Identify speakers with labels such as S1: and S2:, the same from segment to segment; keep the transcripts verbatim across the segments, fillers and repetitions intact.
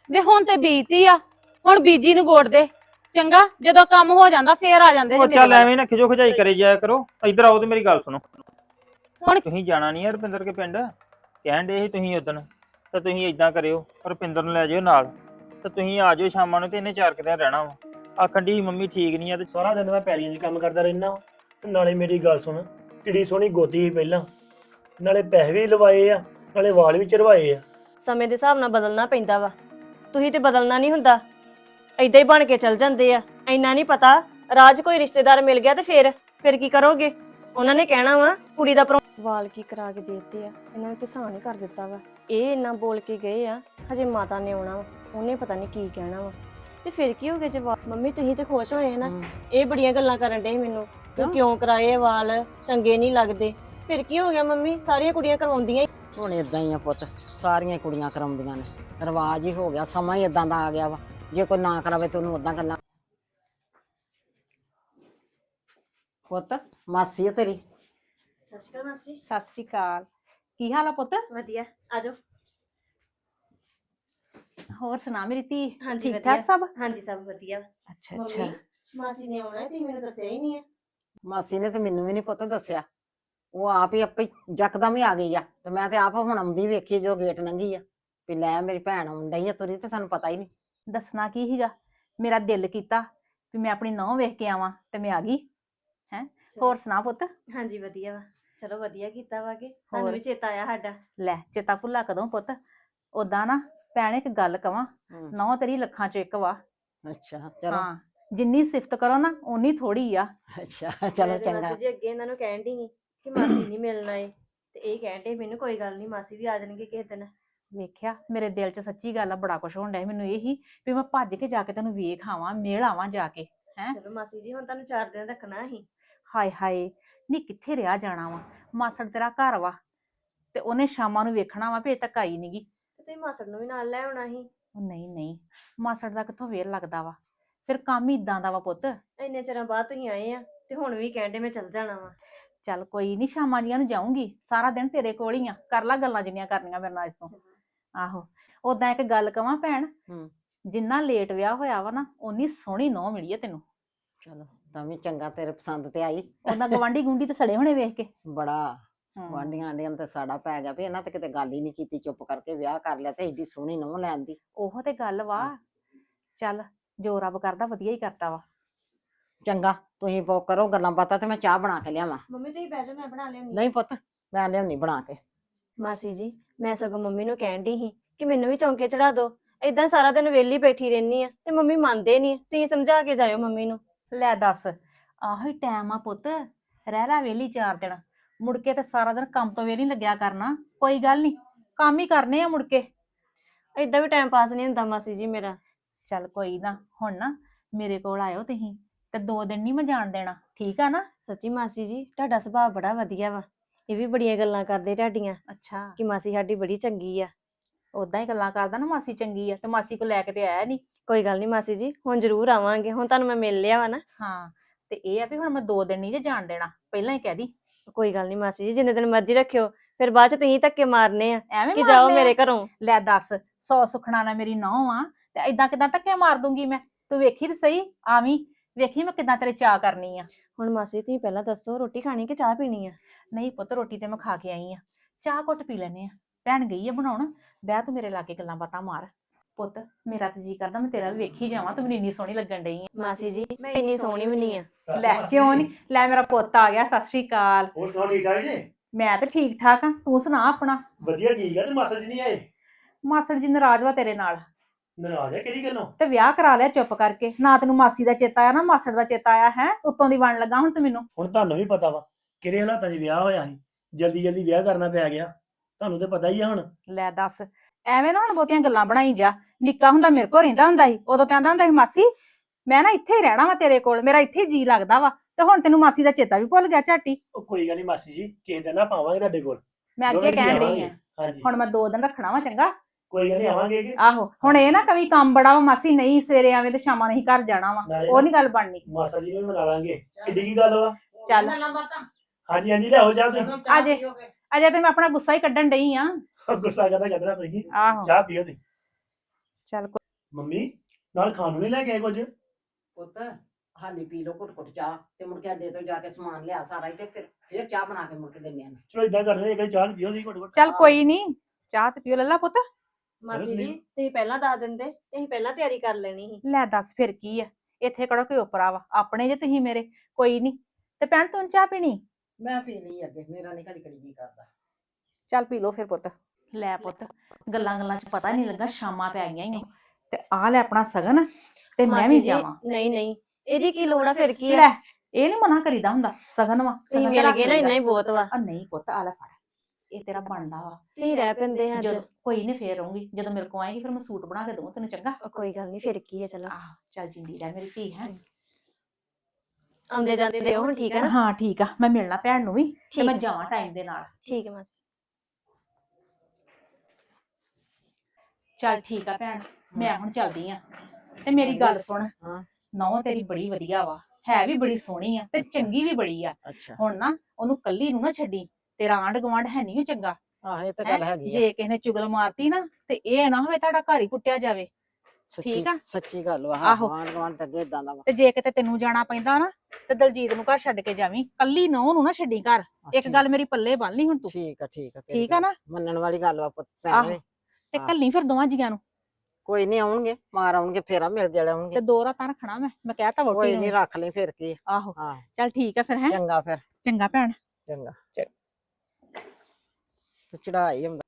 S1: ਵੇ ਹੁਣ ਤੇ ਬੀਜਤੀ ਆ, ਹੁਣ ਬੀਜੀ ਨੂੰ ਗੋੜ ਦੇ ਚੰਗਾ। ਜਦੋਂ ਕੰਮ ਹੋ ਜਾਂਦਾ ਫੇਰ ਆ ਜਾਂਦੇ
S2: ਉਹ
S1: ਜੇ
S2: ਚੱਲ
S1: ਮੇਰੇ ਵੱਲ।
S2: ਐਵੇਂ ਨਾ ਖਿਜੋ ਖਜਾਈ ਕਰੇ ਜਾਇਆ ਕਰੋ। ਇੱਧਰ ਆਓ ਤੇ ਮੇਰੀ ਗੱਲ ਸੁਣੋ।
S1: ਹੁਣ
S2: ਤੁਸੀਂ ਜਾਣਾ ਨਹੀਂ ਯਾਰ ਰੁਪਿੰਦਰ ਕੇ ਪਿੰਡ, ਕਹਿਣ ਦੇ ਸੀ ਤੁਸੀਂ ਉਦਣ। ਤੇ ਤੁਸੀਂ ਇਦਾਂ ਕਰਿਓ, ਰੁਪਿੰਦਰ ਨੂੰ ਲੈ ਜਾਇਓ ਨਾਲ, ਤੇ ਤੁਸੀਂ ਆ ਜਾਇਓ ਸ਼ਾਮਾਂ ਨੂੰ, ਤੇ ਇਹਨੇ ਚਾਰ ਕੁ ਦਿਨ ਰਹਿਣਾ ਵਾ। ਆਖਣ ਦੀ ਮੰਮੀ ਠੀਕ ਨਹੀਂ ਆ ਤੇ
S3: ਸਾਰਾ ਦਿਨ ਮੈਂ ਪੈਲੀਆਂ 'ਚ ਕੰਮ ਕਰਦਾ ਰਹਿਣਾ ਤੇ ਨਾਲੇ ਮੇਰੀ ਗੱਲ ਸੁਣ, ਕਿੱਡੀ ਸੋਹਣੀ ਗੋਦੀ ਸੀ ਪਹਿਲਾਂ, ਨਾਲੇ ਪੈਸੇ ਵੀ ਲਵਾਏ ਆ, ਨਾਲੇ ਵਾਲ ਵੀ ਚੜਵਾਏ ਆ।
S4: ਸਮੇਂ ਦੇ ਹਿਸਾਬ ਨਾਲ ਬਦਲਣਾ ਪੈਂਦਾ ਵਾ। ਤੁਸੀਂ ਤੇ ਬਦਲਣਾ ਨਹੀਂ ਹੁੰਦਾ, ਏਦਾਂ ਹੀ ਬਣ ਕੇ ਚੱਲ ਜਾਂਦੇ ਆ। ਇੰਨਾ ਨਹੀਂ ਪਤਾ ਰਾਜ ਕੋਈ ਰਿਸ਼ਤੇਦਾਰ ਮਿਲ ਗਿਆ ਤੇ ਫਿਰ ਫਿਰ ਕੀ ਕਰੋਗੇ? ਉਹਨਾਂ ਨੇ ਕਹਿਣਾ ਵਾ ਕੁੜੀ ਦਾ ਵਾਲ ਕੀ ਕਰਾ ਕੇ ਦੇ ਦਿੱਤੇ ਆ, ਇਹਨਾਂ ਨੇ ਤੇ ਸਾਨ ਹੀ ਕਰ ਦਿੱਤਾ ਵਾ। ਇਹ ਇੰਨਾ ਬੋਲ ਕੇ ਗਏ ਆ, ਹਜੇ ਮਾਤਾ ਨੇ ਆਉਣਾ ਵਾ, ਉਹਨੇ ਪਤਾ ਨਹੀਂ ਕੀ ਕਹਿਣਾ ਵਾ। ਤੇ ਫਿਰ ਕੀ ਹੋ ਗਿਆ ਜੇ ਮੰਮੀ ਤੁਸੀਂ ਤੇ ਖੁਸ਼ ਹੋਏ ਨਾ, ਇਹ ਬੜੀਆਂ ਗੱਲਾਂ ਕਰਨ ਡੇ ਮੈਨੂੰ, ਤੂੰ ਕਿਉਂ ਕਰਾਏ ਵਾਲ, ਚੰਗੇ ਨਹੀਂ ਲੱਗਦੇ। ਫਿਰ ਕੀ ਹੋ ਗਿਆ ਮੰਮੀ, ਸਾਰੀਆਂ ਕੁੜੀਆਂ ਕਰਵਾਉਂਦੀਆਂ।
S5: ਹੁਣ ਇਦਾਂ ਹੀ ਆ ਪੁੱਤ, ਸਾਰੀਆਂ ਕੁੜੀਆਂ ਕਰਾਉਂਦੀਆਂ ਨੇ, ਰਿਵਾਜ ਹੀ ਹੋ ਗਿਆ, ਸਮਾਂ ਹੀ ਇਦਾਂ ਦਾ ਆ ਗਿਆ ਵਾ। ਜੇ ਕੋਈ ਨਾ ਕਰਾਵੇ ਤੇ ਉਹਨੂੰ ਉਦਾਂ ਗੱਲਾਂ। ਪੁੱਤ ਮਾਸੀ ਆ ਤੇਰੀ।
S4: ਸਤਿ ਸ਼੍ਰੀ ਅਕਾਲ ਮਾਸੀ।
S1: ਸਤਿ ਸ਼੍ਰੀ ਅਕਾਲ, ਕੀ ਹਾਲ ਆ ਪੁੱਤ?
S4: ਵਧੀਆ, ਆਜੋ।
S1: ਹੋਰ ਸੁਣਾ ਮੇਰੀ ਧੀ,
S4: ਹਾਂਜੀ
S1: ਠੀਕ ਠਾਕ ਸਭ?
S4: ਹਾਂਜੀ ਸਭ ਵਧੀਆ।
S1: ਅੱਛਾ
S4: ਮੰਮੀ, ਮਾਸੀ ਨੇ ਆਉਣਾ, ਤੁਸੀਂ ਮੈਨੂੰ ਦੱਸਿਆ ਹੀ ਨਹੀਂ ਹੈ।
S5: ਮਾਸੀ ਨੇ ਤੇ ਮੈਨੂੰ ਵੀ ਨਹੀਂ ਪੁੱਤ ਦੱਸਿਆ, ਉਹ ਆਪ ਹੀ ਆਪੇ ਯਕਦਮ ਹੀ ਆ ਗਈ ਆ। ਤੇ ਮੈਂ ਤੇ ਆਪ ਹੁਣ ਆਉਂਦੀ ਵੇਖੀ ਜਦੋਂ ਗੇਟ ਲੰਘੀ ਆ ਵੀ ਲੈ ਮੇਰੀ ਭੈਣ ਆਉਣ ਡਈ ਆ ਤੁਰੀ, ਤੇ ਸਾਨੂੰ ਪਤਾ ਹੀ ਨਹੀਂ।
S1: ਦੱਸਣਾ ਕੀ ਸੀਗਾ, ਮੇਰਾ ਦਿਲ ਕੀਤਾ ਵੀ ਮੈਂ ਆਪਣੀ ਨੌਂ ਵੇਖ ਕੇ ਆਵਾਂ ਤੇ ਮੈਂ ਆ ਗਈ ਹੈ। ਹੋਰ ਸੁਣਾ ਪੁੱਤ?
S4: ਹਾਂਜੀ ਵਧੀਆ ਵਾ, ਚਲੋ ਵਧੀਆ ਕੀਤਾ ਵਾ ਕਿ ਤੁਹਾਨੂੰ ਵੀ ਚੇਤਾ ਆਇਆ ਸਾਡਾ।
S1: ਲੈ ਚੇਤਾ ਭੁੱਲਾ ਕਦੋਂ ਪੁੱਤ? ਉਦਾਂ ਨਾ ਭੈਣ ਇੱਕ ਗੱਲ ਕਵਾਂ, ਨੌਂ ਤੇਰੀ ਲੱਖਾਂ ਚ ਇੱਕ ਵਾ।
S5: ਅੱਛਾ ਚਲੋ।
S1: ਹਾਂ, ਜਿੰਨੀ ਸਿਫਤ ਕਰੋ ਨਾ ਓਨੀ ਥੋੜੀ ਆ।
S5: ਅੱਛਾ ਚਲੋ ਚੰਗਾ।
S4: ਮਾਸੀ ਜੀ ਅੱਗੇ ਇਹਨਾਂ ਨੂੰ ਕਹਿਣ ਦੀ ਸੀ ਕਿ ਮਾਸੀ ਨਹੀਂ ਮਿਲਣਾ ਏ, ਤੇ ਇਹ ਕਹਿਣ ਦੇ ਮੈਨੂੰ ਕੋਈ ਗੱਲ ਨਹੀਂ, ਮਾਸੀ ਵੀ ਆ ਜਾਣਗੇ ਕਿਸੇ ਦਿਨ।
S1: ਵੇਖਿਆ, ਮੇਰੇ ਦਿਲ 'ਚ ਸੱਚੀ ਗੱਲ ਆ, ਬੜਾ ਕੁਛ ਹੋਣ ਡਿਆ ਮੈਨੂੰ। ਇਹ ਹੀ ਵੀ ਮੈਂ ਭੱਜ ਕੇ ਜਾ ਕੇ ਤੈਨੂੰ ਵੇਖ ਆਵਾਂ, ਮਿਲ ਆਵਾਂ ਜਾ ਕੇ। ਹੈ
S4: ਚਲੋ ਮਾਸੀ ਜੀ, ਹੁਣ ਤੁਹਾਨੂੰ ਚਾਰ ਦਿਨ ਰੱਖਣਾ ਸੀ।
S1: ਹਾਏ ਹਾਏ ਨੀ, ਕਿੱਥੇ ਰਿਹਾ ਜਾਣਾ ਵਾ? ਮਾਸੜ ਤੇਰਾ ਘਰ ਵਾ ਤੇ ਉਹਨੇ ਸ਼ਾਮਾਂ ਨੂੰ ਵੇਖਣਾ ਵਾ ਵੀ ਇਹ ਤੱਕ ਆਈ ਨੀਗੀ।
S4: ਤੇ ਤੁਸੀਂ ਮਾਸੜ ਨੂੰ ਵੀ ਨਾਲ ਲੈ ਆਉਣਾ ਸੀ।
S1: ਉਹ ਨਹੀਂ ਨਹੀਂ, ਮਾਸੜ ਦਾ ਕਿੱਥੋਂ ਵੇਲ ਲੱਗਦਾ ਵਾ, ਫਿਰ ਕੰਮ ਹੀ ਇਦਾਂ ਦਾ ਵਾ ਪੁੱਤ।
S4: ਇੰਨੇ ਚਿਰਾਂ ਬਾਅਦ ਤੁਸੀਂ ਆਏ ਆ ਤੇ ਹੁਣ ਵੀ ਕਹਿੰਦੇ ਮੈਂ ਚੱਲ ਜਾਣਾ ਵਾ।
S1: ਚੱਲ ਕੋਈ ਨਹੀਂ, ਸ਼ਾਮਾਂ ਜੀਆਂ ਨੂੰ ਜਾਊਂਗੀ, ਸਾਰਾ ਦਿਨ ਤੇਰੇ ਕੋਲ ਹੀ ਆ, ਕਰ ਲੈ ਗੱਲਾਂ ਜਿੰਨੀਆਂ ਕਰਨੀਆਂ ਮੇਰੇ ਨਾਲ ਅੱਜ ਤੋਂ। ਆਹੋ, ਓਦਾਂ ਇੱਕ ਗੱਲ ਕਵਾਂ ਭੈਣ, ਜਿੰਨਾ ਲੇਟ ਵਿਆਹ ਹੋਇਆ ਵਾ ਨਾ, ਓਨੀ ਸੋਹਣੀ ਨੌਂ ਮਿਲੀ ਆ ਤੈਨੂੰ।
S5: ਚਲੋ ਤਾਂ ਵੀ ਚੰਗਾ, ਤੇਰੇ ਪਸੰਦ ਤੇ ਆਈ।
S1: ਉਹਦਾ ਗਵਾਂਢੀ ਗੁੰਡੀ ਤੇ ਸੜੇ ਹੋਣੇ ਵੇਖ ਕੇ।
S5: ਬੜਾ ਗੁਆਂਢੀਆਂ ਆਂਢੀਆਂ ਨੂੰ ਤੇ ਸਾੜਾ ਪੈ ਗਿਆ ਵੀ ਇਹਨਾਂ ਤੇ ਕਿਤੇ ਗੱਲ ਹੀ ਨਹੀਂ ਕੀਤੀ, ਚੁੱਪ ਕਰਕੇ ਵਿਆਹ ਕਰ ਲਿਆ ਤੇ ਏਡੀ ਸੋਹਣੀ ਨੂੰਹ ਲੈਣ ਦੀ।
S1: ਉਹੋ ਤੇ ਗੱਲ ਵਾ। ਚੱਲ ਜੋ ਰੱਬ ਕਰਦਾ ਵਧੀਆ ਹੀ ਕਰਦਾ ਵਾ।
S5: ਚੰਗਾ, ਤੁਸੀਂ ਪੋ ਕਰੋ ਗੱਲਾਂ ਬਾਤਾਂ ਤੇ ਮੈਂ ਚਾਹ ਬਣਾ ਕੇ ਲਿਆਵਾਂ।
S4: ਮੰਮੀ ਤੁਸੀਂ ਬਹਿ ਜਾਓ, ਮੈਂ ਬਣਾ ਲਿਆਉਂਦੀ।
S5: ਨਹੀਂ ਪੁੱਤ, ਮੈਂ ਲਿਆਉਣੀ ਬਣਾ ਕੇ।
S4: ਮਾਸੀ ਜੀ, ਮੈਂ ਸਗੋਂ ਮੰਮੀ ਨੂੰ ਕਹਿਣ ਦੀ ਸੀ ਕਿ ਮੈਨੂੰ ਵੀ ਚੌਂਕੇ ਚੜਾ ਦਿਓ, ਏਦਾਂ ਸਾਰਾ ਦਿਨ ਵਿਹਲੀ ਬੈਠੀ ਰਹਿਨੀ ਆ, ਤੇ ਮੰਮੀ ਮੰਨਦੇ ਨਹੀਂ। ਤੁਸੀਂ ਸਮਝਾ ਕੇ ਜਾਇਓ ਮੰਮੀ ਨੂੰ।
S1: ਲੈ ਦੱਸ, ਆਹੋ ਹੀ ਟਾਈਮ ਆ ਪੁੱਤ, ਰਹਿ ਲੈ ਵੇਲੀ ਚਾਰ ਦਿਨ, ਮੁੜ ਕੇ ਤੇ ਸਾਰਾ ਦਿਨ ਕੰਮ ਤੋਂ ਵੇਲੀ ਲੱਗਿਆ ਕਰਨਾ। ਕੋਈ ਗੱਲ ਨਹੀਂ, ਕੰਮ ਹੀ ਕਰਨੇ ਆ ਮੁੜ ਕੇ।
S4: ਏਦਾਂ ਵੀ ਟਾਈਮ ਪਾਸ ਨਹੀਂ ਹੁੰਦਾ ਮਾਸੀ ਜੀ ਮੇਰਾ।
S1: ਚੱਲ ਕੋਈ ਨਾ, ਹੁਣ ਨਾ ਮੇਰੇ ਕੋਲ ਆਇਓ ਤੁਸੀਂ, ਤੇ ਦੋ ਦਿਨ ਨਹੀਂ ਮੈਂ ਜਾਣ ਦੇਣਾ, ਠੀਕ ਆ ਨਾ?
S4: ਸੱਚੀ ਮਾਸੀ ਜੀ, ਤੁਹਾਡਾ ਸੁਭਾਅ ਬੜਾ ਵਧੀਆ ਵਾ। ਇਹ ਵੀ ਬੜੀਆਂ ਗੱਲਾਂ ਕਰਦੇ ਤੁਹਾਡੀਆਂ
S1: ਅੱਛਾ,
S4: ਕਿ ਮਾਸੀ ਸਾਡੀ ਬੜੀ ਚੰਗੀ ਆ।
S1: ਉਦਾਂ ਹੀ ਗੱਲਾਂ ਕਰਦਾ ਨਾ, ਮਾਸੀ ਚੰਗੀ ਆ, ਤੇ ਮਾਸੀ ਕੋ ਲੈ ਕੇ ਤੇ ਆਇਆ ਨਹੀਂ।
S4: ਕੋਈ ਗੱਲ ਨਹੀਂ ਮਾਸੀ ਜੀ, ਹੁਣ ਜ਼ਰੂਰ ਆਵਾਂਗੇ, ਹੁਣ ਤੁਹਾਨੂੰ ਮੈਂ ਮਿਲ ਲਿਆ ਵਾ ਨਾ।
S1: ਹਾਂ, ਤੇ ਇਹ ਆ ਵੀ ਹੁਣ ਮੈਂ ਦੋ ਦਿਨ ਨਹੀਂ ਜੇ ਜਾਣ ਦੇਣਾ, ਪਹਿਲਾਂ ਹੀ ਕਹਿ ਦੀ।
S4: ਕੋਈ ਗੱਲ ਨਹੀਂ ਮਾਸੀ ਜੀ, ਜਿੰਨੇ ਦਿਨ ਮਰਜ਼ੀ ਰੱਖਿਓ, ਫਿਰ ਬਾਅਦ ਚ ਤੁਸੀਂ ਧੱਕੇ ਮਾਰਨੇ ਆ
S1: ਐਵੇਂ
S4: ਕਿ ਜਾਓ
S1: ਮਾਰਨੇ ਆ?
S4: ਮੇਰੇ ਘਰੋਂ।
S1: ਲੈ ਦੱਸ, ਸੌ ਸੁਖਣਾ ਨਾ ਮੇਰੀ ਨੌਂ ਆ, ਤੇ ਏਦਾਂ ਕਿਦਾਂ ਧੱਕੇ ਮਾਰ ਦੂੰਗੀ ਮੈਂ? ਤੂੰ ਵੇਖੀ ਤੇ ਸਹੀ, ਆਵੀਂ ਵੇਖੀ ਮੈਂ ਕਿਦਾਂ ਤੇਰੇ ਚਾਅ ਕਰਨੀ ਆ।
S4: ਹੁਣ ਮਾਸੀ ਤੁਸੀਂ ਪਹਿਲਾਂ ਦੱਸੋ, ਰੋਟੀ ਖਾਣੀ ਕਿ ਚਾਹ ਪੀਣੀ ਆ?
S1: ਨਹੀਂ ਪੁੱਤ, ਰੋਟੀ ਤੇ ਮੈਂ ਖਾ ਕੇ ਆਈ ਆ, ਚਾਹ ਘੁੱਟ ਪੀ ਲੈਨੇ ਆ। ਭੈਣ ਗਈ ਆ ਬਣਾਉਣ, ਬਹਿ ਤੂੰ ਮੇਰੇ ਲਾਗੇ ਗੱਲਾਂ ਬਾਤਾਂ ਮਾਰ। ਪੁੱਤ ਮੇਰਾ ਤੇ ਜੀ ਕਰਦਾ ਮੈਂ ਤੇਰਾ ਵੇਖੀ ਜਾਵਾਂ, ਤੂੰ ਮੈਨੂੰ ਇੰਨੀ ਸੋਹਣੀ ਲੱਗਣ ਡਈ ਆ।
S4: ਮਾਸੀ ਜੀ, ਮੈਂ ਇੰਨੀ ਸੋਹਣੀ ਵੀ ਨਹੀਂ ਆ।
S1: ਲੈ ਕਿਉਂ ਨਹੀਂ, ਲੈ ਮੇਰਾ ਪੁੱਤ ਆ ਗਿਆ, ਸਤਿ ਸ਼੍ਰੀ ਅਕਾਲ।
S3: ਹੋਰ ਸੁਣਾਓ, ਠੀਕ ਠਾਕ ਜੀ?
S1: ਮੈਂ ਤੇ ਠੀਕ ਠਾਕ ਆ, ਤੂੰ ਸੁਣਾ ਆਪਣਾ।
S3: ਵਧੀਆ ਠੀਕ ਆ। ਤੇ ਮਾਸੜ ਜੀ ਨਹੀਂ ਆਏ?
S1: ਮਾਸੜ ਜੀ ਨਾਰਾਜ਼ ਵਾ ਤੇਰੇ ਨਾਲ,
S3: ਨਾਰਾਜ਼ ਹੈ ਕਿਹੜੀ ਗੱਲੋਂ?
S1: ਤੇ ਵਿਆਹ ਕਰਾ ਲਿਆ ਚੁੱਪ ਕਰਕੇ। ਨਾ ਤੈਨੂੰ ਮਾਸੀ ਦਾ ਚੇਤਾ ਆਇਆ, ਨਾ ਮਾਸੜ ਦਾ ਚੇਤਾ ਆਇਆ, ਹੈ ਉੱਤੋਂ ਦੀ ਬਣ ਲੱਗਾ ਹੁਣ ਤੂੰ ਮੈਨੂੰ।
S3: ਹੁਣ ਤੁਹਾਨੂੰ ਵੀ ਪਤਾ ਵਾ ਕਿਹੜੇ ਹਾਲਾਤਾਂ 'ਚ ਵਿਆਹ ਹੋਇਆ ਸੀ, ਜਲਦੀ ਜਲਦੀ ਵਿਆਹ ਕਰਨਾ ਪੈ ਗਿਆ, ਤੁਹਾਨੂੰ ਤੇ ਪਤਾ ਹੀ ਆ। ਹੁਣ
S1: ਲੈ ਦੱਸ, ਐਵੇਂ ਨਾ ਹੁਣ ਬਹੁਤੀਆਂ ਗੱਲਾਂ ਬਣਾਈ ਜਾ। ਨਿੱਕਾ ਹੁੰਦਾ ਮੇਰੇ ਕੋਲ ਰਹਿੰਦਾ ਹੁੰਦਾ ਸੀ, ਉਦੋਂ ਕਹਿੰਦਾ ਹੁੰਦਾ ਸੀ ਮਾਸੀ ਮੈਂ ਨਾ ਇੱਥੇ ਹੀ ਰਹਿਣਾ ਵਾ ਤੇਰੇ ਕੋਲ, ਮੇਰਾ ਇੱਥੇ ਜੀ ਲੱਗਦਾ ਵਾ। ਤੇ ਹੁਣ ਤੈਨੂੰ ਮਾਸੀ ਦਾ ਚੇਤਾ ਵੀ ਭੁੱਲ ਗਿਆ ਝਾਟੀ।
S3: ਉਹ ਕੋਈ ਗੱਲ ਨਹੀਂ ਮਾਸੀ ਜੀ, ਕਿਸੇ ਦਿਨ ਨਾ ਪਾਵਾਂਗੇ ਤੁਹਾਡੇ ਕੋਲ।
S1: ਮੈਂ ਅੱਗੇ
S3: ਦੋਵੇਂ ਜੀ
S1: ਕਹਿਣ ਰਹੀ
S3: ਆਵਾਂਗੇ।
S1: ਆ,
S3: ਹਾਂਜੀ
S1: ਹੁਣ ਮੈਂ ਦੋ ਦਿਨ ਰੱਖਣਾ ਵਾ, ਚੰਗਾ?
S3: ਕੋਈ ਗੱਲ ਨਹੀਂ, ਆਵਾਂਗੇ ਕਿ
S1: ਆਹੋ, ਹੁਣ ਇਹ ਨਾ ਕਵੀ ਕੰਮ ਬੜਾ ਵਾ ਮਾਸੀ, ਨਹੀਂ ਸਵੇਰੇ ਆਵੇਂ ਤੇ ਸ਼ਾਮਾਂ ਨਹੀਂ ਘਰ ਜਾਣਾ ਵਾ,
S3: ਨਾਲੇ
S1: ਉਹ ਨਹੀਂ ਗੱਲ ਬਣਨੀ।
S3: ਮਾਸਾ ਜੀ ਨੂੰ ਮਨਾ ਲਾਂਗੇ, ਕਿੱਡੀ ਕੀ ਗੱਲ ਵਾ।
S1: ਚੱਲ
S3: ਹਾਂਜੀ ਹਾਂਜੀ, ਲਿਆਓ ਚਾਹ ਤੁਸੀਂ।
S1: ਅਜੇ ਅਜੇ ਤੇ ਮੈਂ ਆਪਣਾ ਗੁੱਸਾ ਹੀ ਕੱਢਣ ਡਈ ਆ।
S3: ਗੁੱਸਾ ਕਰਦਾ ਕੱਢਣਾ ਤੁਸੀਂ,
S1: ਆਹੋ
S3: ਚਾਹ ਪੀਓ ਤੁਸੀਂ।
S1: ਚੱਲ ਕੋਈ-
S3: ਮੰਮੀ ਨਾਲ ਖਾਣ ਨੂੰ ਨਹੀਂ ਲੈ ਕੇ ਆਏ ਕੁਝ?
S5: ਪੁੱਤ ਹਾਲੀ ਪੀ ਲਓ ਘੁੱਟ ਘੁੱਟ ਚਾਹ ਤੇ ਮੁੜ ਕੇ ਅੱਡੇ ਤੋਂ ਜਾ ਕੇ ਸਮਾਨ ਲਿਆ ਸਾਰਾ ਹੀ ਤੇ ਫਿਰ ਫਿਰ ਚਾਹ ਬਣਾ ਕੇ ਮੁੜ ਕੇ ਦਿੰਦੇ ਆ
S3: ਚਲੋ ਇਦਾਂ ਕਰਦੇ ਇੱਕ ਵਾਰੀ ਚਾਹ ਪੀਓ ਦੀ ਘੁੱਟ ਘੁੱਟ।
S1: ਚੱਲ ਕੋਈ ਨਹੀਂ, ਚਾਹ ਤੇ ਪੀਓ ਲੱਲਾ ਪੁੱਤ।
S4: ਮਾਸੀ ਜੀ
S3: ਸੰਦੀਪ।
S4: ਤੁਸੀਂ ਪਹਿਲਾਂ ਦੱਸ ਦਿੰਦੇ ਤੇ ਅਸੀਂ ਪਹਿਲਾਂ ਤਿਆਰੀ ਕਰ ਲੈਣੀ ਸੀ।
S1: ਲੈ ਦੱਸ ਫਿਰ ਕੀ ਆ, ਇੱਥੇ ਕਿਹੜਾ ਕੋਈ ਉਪਰਾ ਵਾ, ਆਪਣੇ ਜੇ ਤੁਸੀਂ ਮੇਰੇ। ਕੋਈ ਨਹੀਂ, ਤੇ ਭੈਣ ਤੂੰ ਚਾਹ ਪੀਣੀ?
S5: ਮੈਂ ਪੀ ਲਈ ਅੱਗੇ, ਮੇਰਾ ਨਹੀਂ ਘੜੀ ਘੜੀ ਜੀ ਕਰਦਾ।
S1: ਚੱਲ ਪੀ ਲਓ ਫਿਰ ਪੁੱਤ। ਲੈ ਪੁੱਤ, ਗੱਲਾਂ ਗੱਲਾਂ ਚ ਪਤਾ ਨਹੀਂ ਲੱਗਾ ਸ਼ਾਮਾਂ ਪੈ ਗਈਆਂ ਈ ਓ। ਤੇ ਆ ਲੈ ਆਪਣਾ ਸਗਨ, ਤੇ ਮੈਂ
S4: ਮਾਸੀ
S1: ਵੀ
S4: ਜੀ,
S1: ਜਾਵਾਂ।
S4: ਨਹੀਂ ਨਹੀਂ ਇਹਦੀ ਕੀ ਲੋੜ ਆ, ਫਿਰ ਕੀ ਆ?
S1: ਲੈ ਇਹ ਨੀ ਮਨਾ ਕਰੀਦਾ ਹੁੰਦਾ, ਸਗਨ ਵਾ
S4: ਤੁਸੀਂ
S1: ਸਗਨ ਤੇ
S4: ਮਿਲ
S1: ਰੱਖ
S4: ਗਏ ਨਾ,
S1: ਲਈਦਾ।
S4: ਇੰਨਾ ਹੀ ਬਹੁਤ ਵਾ।
S1: ਆ ਨਹੀਂ ਪੁੱਤ, ਆ ਲੈ ਫੜ, ਇਹ ਤੇਰਾ ਬਣਦਾ ਵਾ।
S4: ਤੁਸੀਂ ਰਹਿ ਪੈਂਦੇ ਆ ਅੱਜ।
S1: ਜਦੋਂ ਕੋਈ ਨਹੀਂ ਫੇਰ ਰਹੂੰਗੀ, ਜਦੋਂ ਮੇਰੇ ਕੋਲ ਆਏਗੀ ਫਿਰ ਮੈਂ ਸੂਟ ਬਣਾ ਕੇ ਦਊਂ ਤੈਨੂੰ, ਚੰਗਾ?
S4: ਉਹ ਕੋਈ ਗੱਲ ਨਹੀਂ, ਫਿਰ ਕੀ ਆ, ਚਲੋ
S1: ਆਹ ਚੱਲ ਜਿੰਦੀ ਰਹਿ ਮੇਰੀ ਧੀ ਹੈ।
S4: ਆਉਂਦੇ ਜਾਂਦੇ ਦਿਓ ਹੁਣ, ਠੀਕ ਹੈ ਨਾ?
S1: ਹਾਂ ਠੀਕ ਆ, ਮੈਂ ਮਿਲਣਾ ਭੈਣ ਨੂੰ ਵੀ, ਤੇ
S4: ਠੀਕ
S1: ਮੈਂ
S4: ਹੈ।
S1: ਜਾਵਾਂ ਟਾਈਮ ਦੇ ਨਾਲ।
S4: ਠੀਕ ਹੈ ਮਾਸੀ।
S1: ਚੱਲ ਠੀਕ ਆ ਭੈਣ, ਮੈਂ ਹੁਣ ਚੱਲਦੀ ਆ। ਤੇ ਮੇਰੀ ਗੱਲ ਸੁਣ,
S5: ਹਾਂ।
S1: ਨੌ ਤੇਰੀ ਬੜੀ ਵਧੀਆ ਵਾ, ਹੈ ਵੀ ਬੜੀ ਸੋਹਣੀ ਆ ਤੇ ਚੰਗੀ ਵੀ ਬੜੀ ਆ।
S5: ਅੱਛਾ
S1: ਹੁਣ ਨਾ ਉਹਨੂੰ ਕੱਲੀ ਨੂੰ ਨਾ ਛੱਡੀ, ਤੇਰਾ ਆਂਢ ਗੁਆਂਢ ਹੈ ਨਹੀਂ ਚੰਗਾ।
S5: ਆਹ ਇਹ ਤਾਂ
S1: ਹੈਂ?
S5: ਗੱਲ ਹੈਗੀ ਆ।
S1: ਜੇ ਕਿਸੇ ਨੇ ਚੁਗਲ ਮਾਰਤੀ ਨਾ ਤੇ ਇਹ ਨਾ ਹੋਵੇ ਤੁਹਾਡਾ ਘਰ ਹੀ ਕੁੱਟਿਆ ਜਾਵੇ।
S5: ਸੱਚੀ
S1: ਠੀਕ ਆ?
S5: ਸੱਚੀ ਗੱਲ ਵਾ।
S1: ਆਹੋ।
S5: ਗਵਾਂਢ ਗਵਾਂਢ ਤਾਂ ਅੱਗੇ ਇਦਾਂ ਦਾ ਵਾ।
S1: ਤੇ ਜੇ ਕਿਤੇ ਤੈਨੂੰ ਜਾਣਾ ਪੈਂਦਾ ਨਾ ਤੇ ਦਲਜੀਤ ਨੂੰ ਘਰ ਛੱਡ ਕੇ ਜਾਵੀਂ, ਕੱਲੀ ਨੌ ਨੂੰ ਨਾ ਛੱਡੀ ਘਰ। ਇੱਕ
S5: ਠੀਕ-
S1: ਗੱਲ ਮੇਰੀ ਪੱਲੇ ਬੰਨ ਲਈ ਹੁਣ ਤੂੰ,
S5: ਠੀਕ ਆ ਠੀਕ ਆ ਤੇਰੀ
S1: ਠੀਕ ਆ
S5: ਗੱਲ।
S1: ਨਾ?
S5: ਮੰਨਣ ਵਾਲੀ ਗੱਲ ਵਾ ਪੁੱਤ
S1: ਆਹੋ।
S5: ਭੈਣੇ।
S1: ਤੇ
S5: ਹਾਂ।
S1: ਕੱਲੀ ਫਿਰ ਦੋਵਾਂ ਜੀਆਂ ਨੂੰ,
S5: ਕੋਈ ਨਹੀਂ ਆਉਣਗੇ, ਮਾਰ ਆਉਣਗੇ, ਫੇਰਾ ਮਿਲ ਜਾਣਾ
S1: ਤੇ
S5: ਆਉਣਗੇ।
S1: ਦੋ ਰਾਤਾਂ ਰੱਖਣਾ ਮੈਂ ਮੈਂ ਕਹਿਤਾ ਵੋਟੀ
S5: ਕੋਈ
S1: ਨੂੰ।
S5: ਨਹੀਂ ਰੱਖ ਲਈ ਫਿਰ ਕੀ।
S1: ਆਹੋ
S5: ਹਾਂ
S1: ਚੱਲ ਠੀਕ ਆ ਫਿਰ, ਹੈ
S5: ਚੰਗਾ ਫਿਰ।
S1: ਚੰਗਾ ਭੈਣ।
S5: ਚੰਗਾ
S1: ਚੰਗਾ।
S5: ਤੇ ਚੜਾਈ ਹੁੰਦਾ।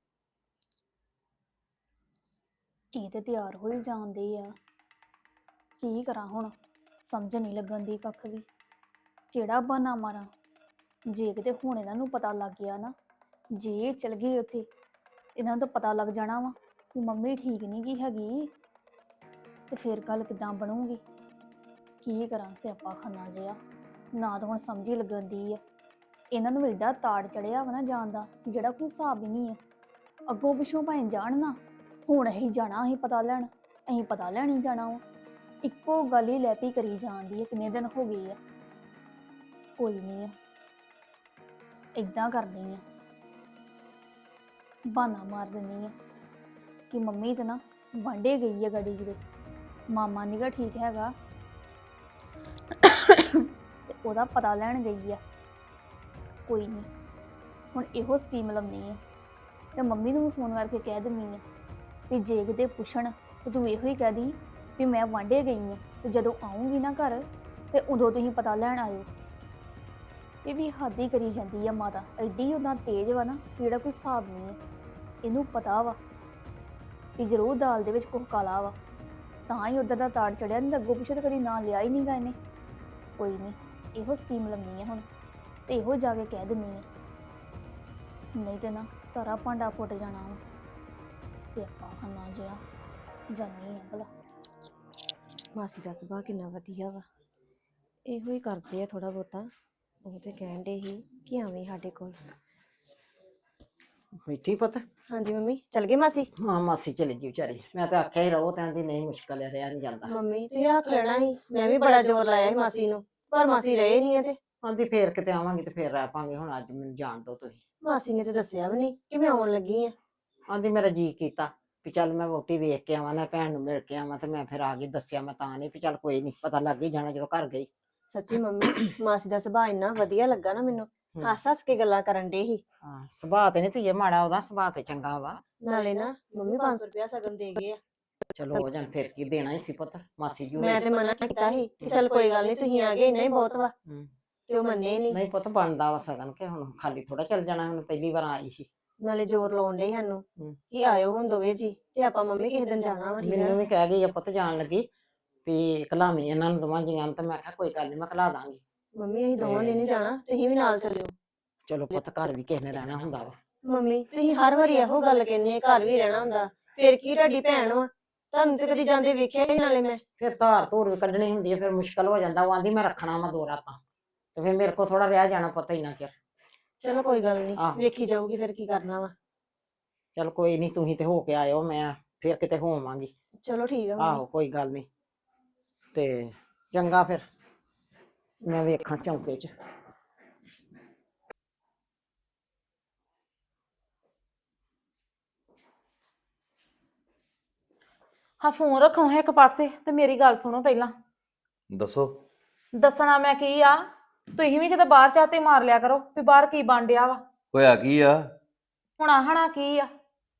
S6: ਇਹ ਤੇ ਤਿਆਰ ਹੋਈ ਜਾਂਦੇ ਆ, ਕੀ ਕਰਾਂ ਹੁਣ, ਸਮਝ ਨਹੀਂ ਲੱਗਣ ਦੀ ਕੱਖ ਵੀ, ਕਿਹੜਾ ਬਹਾਨਾ ਮਾਰਾਂ। ਜੇ ਕਿਤੇ ਹੁਣ ਇਹਨਾਂ ਨੂੰ ਪਤਾ ਲੱਗ ਗਿਆ ਨਾ, ਜੇ ਇਹ ਚਲ ਗਏ ਉੱਥੇ, ਇਹਨਾਂ ਨੂੰ ਤਾਂ ਪਤਾ ਲੱਗ ਜਾਣਾ ਵਾ ਕਿ ਮੰਮੀ ਠੀਕ ਨਹੀਂ ਗੀ ਹੈਗੀ, ਤੇ ਫਿਰ ਗੱਲ ਕਿੱਦਾਂ ਬਣੂਗੀ। ਕੀ ਕਰਾਂ, ਸਿਆਪਾ ਖਾਨਾ ਜਿਹਾ, ਨਾ ਤਾਂ ਹੁਣ ਸਮਝ ਹੀ ਲੱਗਣ ਦੀ ਆ। ਇਹਨਾਂ ਨੂੰ ਏਡਾ ਤਾੜ ਚੜਿਆ ਵਾ ਨਾ ਜਾਣ ਦਾ, ਕਿ ਜਿਹੜਾ ਕੋਈ ਹਿਸਾਬ ਹੀ ਨਹੀਂ ਆ। ਅੱਗੋਂ ਪਿੱਛੋਂ ਭਾਵੇਂ ਜਾਣ ਨਾ, ਹੁਣ ਅਸੀਂ ਜਾਣਾ, ਅਸੀਂ ਪਤਾ ਲੈਣ, ਅਸੀਂ ਪਤਾ ਲੈਣ ਹੀ ਜਾਣਾ ਵਾ। ਇੱਕੋ ਗੱਲ ਹੀ ਲੈ ਪਈ ਕਰੀ ਜਾਂਦੀ ਹੈ, ਕਿੰਨੇ ਦਿਨ ਹੋ ਗਏ ਆ। ਕੋਈ ਨਹੀਂ ਆ, ਏਦਾਂ ਕਰਨੀ ਆ, ਬਹਾਨਾ ਮਾਰ ਦਿੰਦੀ ਆ ਕਿ ਮੰਮੀ ਤੇ ਨਾ ਵਾਂਢੇ ਗਈ ਆ ਗੜੀ ਕਿਤੇ, ਮਾਮਾ ਨੀਗਾ ਠੀਕ ਹੈਗਾ, ਤੇ ਉਹਦਾ ਪਤਾ ਲੈਣ ਗਈ ਆ। ਕੋਈ ਨਹੀਂ, ਹੁਣ ਇਹੋ ਸਕੀਮ ਲਾਉਣੀ ਆ, ਤੇ ਮੰਮੀ ਨੂੰ ਵੀ ਫੋਨ ਕਰਕੇ ਕਹਿ ਦਿੰਦੀ ਆ ਵੀ ਜੇ ਕਿਤੇ ਪੁੱਛਣ ਤੇ ਤੂੰ ਇਹੋ ਹੀ ਕਹਿ ਦੀ ਵੀ ਮੈਂ ਵਾਂਢੇ ਗਈ ਆ, ਤੇ ਜਦੋਂ ਆਉਂਗੀ ਨਾ ਘਰ ਤੇ ਉਦੋਂ ਤੁਸੀਂ ਪਤਾ ਲੈਣ ਆਇਓ। ਇਹ ਵੀ ਹੱਦ ਹੀ ਕਰੀ ਜਾਂਦੀ ਆ ਮਾਤਾ, ਐਡੀ ਉਹਨਾਂ ਤੇਜ਼ ਵਾ ਨਾ, ਜਿਹੜਾ ਕੋਈ ਹਿਸਾਬ ਨਹੀਂ ਹੈ। ਇਹਨੂੰ ਪਤਾ ਵਾ ਵੀ ਜ਼ਰੂਰ ਦਾਲ ਦੇ ਵਿੱਚ ਕੁਝ ਕਾਲਾ ਵਾ, ਤਾਂ ਹੀ ਉੱਧਰ ਦਾ ਤਾੜ ਚੜਿਆ, ਨਹੀਂ ਅੱਗੋਂ ਪਿੱਛੇ ਤਾਂ ਕਦੀ ਨਾਂ ਲਿਆ ਹੀ ਨਹੀਂ ਗਾ ਇਹਨੇ। ਕੋਈ ਨਹੀਂ, ਇਹੋ ਸਕੀਮ ਲੰਮੀ ਆ ਹੁਣ, ਤੇ ਇਹੋ ਜਾ ਕੇ ਕਹਿ ਦਿੰਨੀ ਆ, ਨਹੀਂ ਤੇ ਨਾ ਸਾਰਾ ਭਾਂਡਾ ਫੁੱਟ ਜਾਣਾ ਵਾ। ਸਿਆਪਾ ਖਾਨਾ ਜਿਹਾ, ਜਾਨੀ ਆ ਭਲਾ।
S4: ਮਾਸੀ ਦਾ ਸੁਭਾਅ ਕਿੰਨਾ ਵਧੀਆ ਵਾ, ਇਹੋ ਹੀ ਕਰਦੇ ਆ ਥੋੜਾ ਬਹੁਤਾ। ਉਹ ਤੇ ਕਹਿਣ ਦੇ ਸੀ ਕਿ ਆਵੇਂ ਸਾਡੇ ਕੋਲ।
S5: ਬੈਠੀ ਪੁੱਤ।
S4: ਹਾਂਜੀ ਮੰਮੀ, ਚਲ ਗਏ ਮਾਸੀ?
S5: ਹਾਂ ਮਾਸੀ ਚਲੀ ਗਈ ਵਿਚਾਰੀ, ਮੈਂ ਤਾਂ ਆਖਿਆ ਹੀ ਰਹੋ, ਕਹਿੰਦੀ ਨਹੀਂ ਮੁਸ਼ਕਲ ਹੈ, ਰਿਹਾ ਨਹੀਂ ਜਾਂਦਾ।
S4: ਮੰਮੀ ਤੁਸੀਂ ਰੱਖ ਲੈਣਾ ਸੀ, ਮੈਂ ਵੀ ਬੜਾ ਜ਼ੋਰ ਲਾਇਆ ਸੀ ਮਾਸੀ ਨੂੰ, ਪਰ ਮਾਸੀ ਰਹੇ ਨਹੀਂ ਆ। ਤੇ
S5: ਆਂਦੀ ਫੇਰ ਕਿਤੇ ਆਵਾਂਗੀ ਤੇ ਫੇਰ ਰਹਿ ਪਾਂਗੇ, ਹੁਣ ਅੱਜ ਮੈਨੂੰ ਜਾਣ ਦਿਓ ਤੁਸੀਂ।
S4: ਮਾਸੀ ਨੇ ਤੇ ਦੱਸਿਆ ਵੀ ਨਹੀਂ ਕਿ ਮੈਂ ਆਉਣ ਲੱਗੀ ਆ।
S5: ਆਂਦੀ ਮੇਰਾ ਜੀ ਕੀਤਾ ਵੀ ਚੱਲ ਮੈਂ ਵੋਟੀ ਵੇਖ ਕੇ ਆਵਾਂ, ਨਾ ਭੈਣ ਨੂੰ ਮਿਲ ਕੇ ਆਵਾਂ, ਤੇ ਮੈਂ ਫਿਰ ਆ ਗਈ। ਦੱਸਿਆ ਮੈਂ ਤਾਂ ਨਹੀਂ ਵੀ ਚੱਲ ਕੋਈ ਨਹੀਂ, ਪਤਾ ਲੱਗ ਹੀ ਜਾਣਾ ਜਦੋਂ ਘਰ ਗਈ।
S4: ਸੱਚੀ ਮੰਮੀ, ਮਾਸੀ ਦਾ ਸੁਭਾਅ ਇੰਨਾ ਵਧੀਆ ਲੱਗਾ ਨਾ ਮੈਨੂੰ,
S5: ਹਮ।
S4: ਹੱਸ ਹੱਸ ਕੇ ਗੱਲਾਂ ਕਰਨ ਦੇ ਸੀ।
S5: ਹਾਂ ਸੁਭਾਅ ਤੇ ਨਹੀਂ ਧੀਏ ਮਾੜਾ, ਉਹਦਾ ਸੁਭਾਅ ਤੇ ਚੰਗਾ ਵਾ।
S4: ਨਾਲੇ ਨਾ ਮੰਮੀ ਪੰਜ ਸੌ ਰੁਪਇਆ ਸਗਨ ਦੇ ਗਏ ਆ।
S5: ਚਲੋ ਹੋ ਜਾਣ, ਫਿਰ ਕੀ ਦੇਣਾ ਹੀ ਸੀ ਪੁੱਤ ਮਾਸੀ ਜੀ
S4: ਮੈਂ ਤੇ ਮਨਾ ਕੀਤਾ ਸੀ ਕਿ ਚੱਲ ਕੋਈ ਗੱਲ ਨਹੀਂ, ਤੁਸੀਂ ਆ ਗਏ ਇੰਨਾ ਹੀ ਬਹੁਤ ਵਾ,
S5: ਹੂੰ।
S4: ਤੇ ਉਹ ਮੰਨੇ ਨਹੀਂ।
S5: ਨਹੀਂ ਪੁੱਤ ਬਣਦਾ ਵਾ ਸਗਨ, ਕਿ ਹੁਣ ਖਾਲੀ ਥੋੜਾ ਚੱਲ ਜਾਣਾ, ਹੁਣ ਪਹਿਲੀ ਵਾਰ ਆਈ ਸੀ।
S4: ਨਾਲੇ ਜ਼ੋਰ ਲਾਉਣ ਦੇ ਸਾਨੂੰ
S5: ਹਮ।
S4: ਕਿ ਆਇਓ ਹੁਣ ਦੋਵੇਂ ਜੀ, ਤੇ ਆਪਾਂ ਮੰਮੀ ਕਿਸੇ ਦਿਨ ਜਾਣਾ ਵਾ, ਠੀਕ
S5: ਮੈਨੂੰ
S4: ਆ?
S5: ਵੀ ਕਹਿ ਗਈ ਆ ਪੁੱਤ ਜਾਣ ਲੱਗੀ ਵੀ ਘਲਾਵੀਂ ਇਹਨਾਂ ਨੂੰ ਦੋਵਾਂ ਜੀਆਂ ਨੂੰ, ਤੇ ਮੈਂ ਕਿਹਾ ਕੋਈ ਗੱਲ ਨਹੀਂ, ਮੈਂ ਘਲਾ ਦਾਂਗੀ।
S4: ਮੰਮੀ ਅਸੀਂ ਦੋਵਾਂ ਦਿਨ ਹੀ ਜਾਣਾ, ਤੁਸੀਂ ਵੀ ਨਾਲ ਚੱਲਿਓ।
S5: ਚਲੋ ਪੁੱਤ ਘਰ ਵੀ ਕਿਸੇ ਨੇ ਰਹਿਣਾ ਹੁੰਦਾ ਵਾ।
S4: ਮੰਮੀ ਤੁਸੀਂ ਹਰ ਵਾਰੀ ਇਹੋ ਗੱਲ ਕਹਿੰਦੇ, ਘਰ ਵੀ ਰਹਿਣਾ ਹੁੰਦਾ, ਫਿਰ ਕੀ ਤੁਹਾਡੀ ਭੈਣ ਵਾ, ਤੁਹਾਨੂੰ ਤੇ ਕਦੀ ਜਾਂਦੇ ਵੇਖਿਆ ਹੀ ਨਾਲੇ ਮੈਂ।
S5: ਫਿਰ ਧਾਰ ਧੂਰ ਵੀ ਕੱਢਣੀ ਹੁੰਦੀ ਹੈ, ਫਿਰ ਮੁਸ਼ਕਲ ਹੋ ਜਾਂਦਾ। ਉਹ ਆਂਦੀ ਮੈਂ ਰੱਖਣਾ ਵਾ ਦੋ ਰਾਤਾਂ, ਤੇ ਫਿਰ ਮੇਰੇ ਕੋਲ ਥੋੜਾ ਰਹਿ ਜਾਣਾ ਪੁੱਤ ਇੰਨਾ ਚਿਰ।
S4: ਚਲੋ ਕੋਈ ਗੱਲ ਨਹੀਂ,
S5: ਆਹੋ।
S4: ਵੇਖੀ ਜਾਊਗੀ ਫਿਰ ਕੀ ਕਰਨਾ ਵਾ।
S5: ਚਲ ਕੋਈ ਨਹੀਂ, ਤੁਸੀਂ ਤੇ ਹੋ ਕੇ ਆਇਓ, ਮੈਂ ਫਿਰ ਕਿਤੇ ਹੋਵਾਂਗੀ।
S4: ਚਲੋ ਠੀਕ ਆ ਮੰਮੀ।
S5: ਆਹੋ ਕੋਈ ਗੱਲ ਨਹੀਂ, ਤੇ ਚੰਗਾ ਫਿਰ ਮੈਂ ਵੇਖਾਂ ਚੌਂਕੇ 'ਚ।
S1: ਹਾਂ ਫੋਨ ਰੱਖੋ ਇੱਕ ਪਾਸੇ ਤੇ ਮੇਰੀ ਗੱਲ ਸੁਣੋ ਪਹਿਲਾਂ।
S7: ਦੱਸੋ।
S1: ਦੱਸਣਾ ਮੈਂ ਕੀ ਆ, ਤੁਸੀਂ ਵੀ ਕਿਤੇ ਬਾਹਰ ਚਾਤੇ ਮਾਰ ਲਿਆ ਕਰੋ ਵੀ ਬਾਹਰ ਕੀ ਬਣ ਡਿਆ ਵਾ।
S7: ਹੋਇਆ ਕੀ ਆ?
S1: ਹੁਣ ਆਹਣਾ ਕੀ ਆ,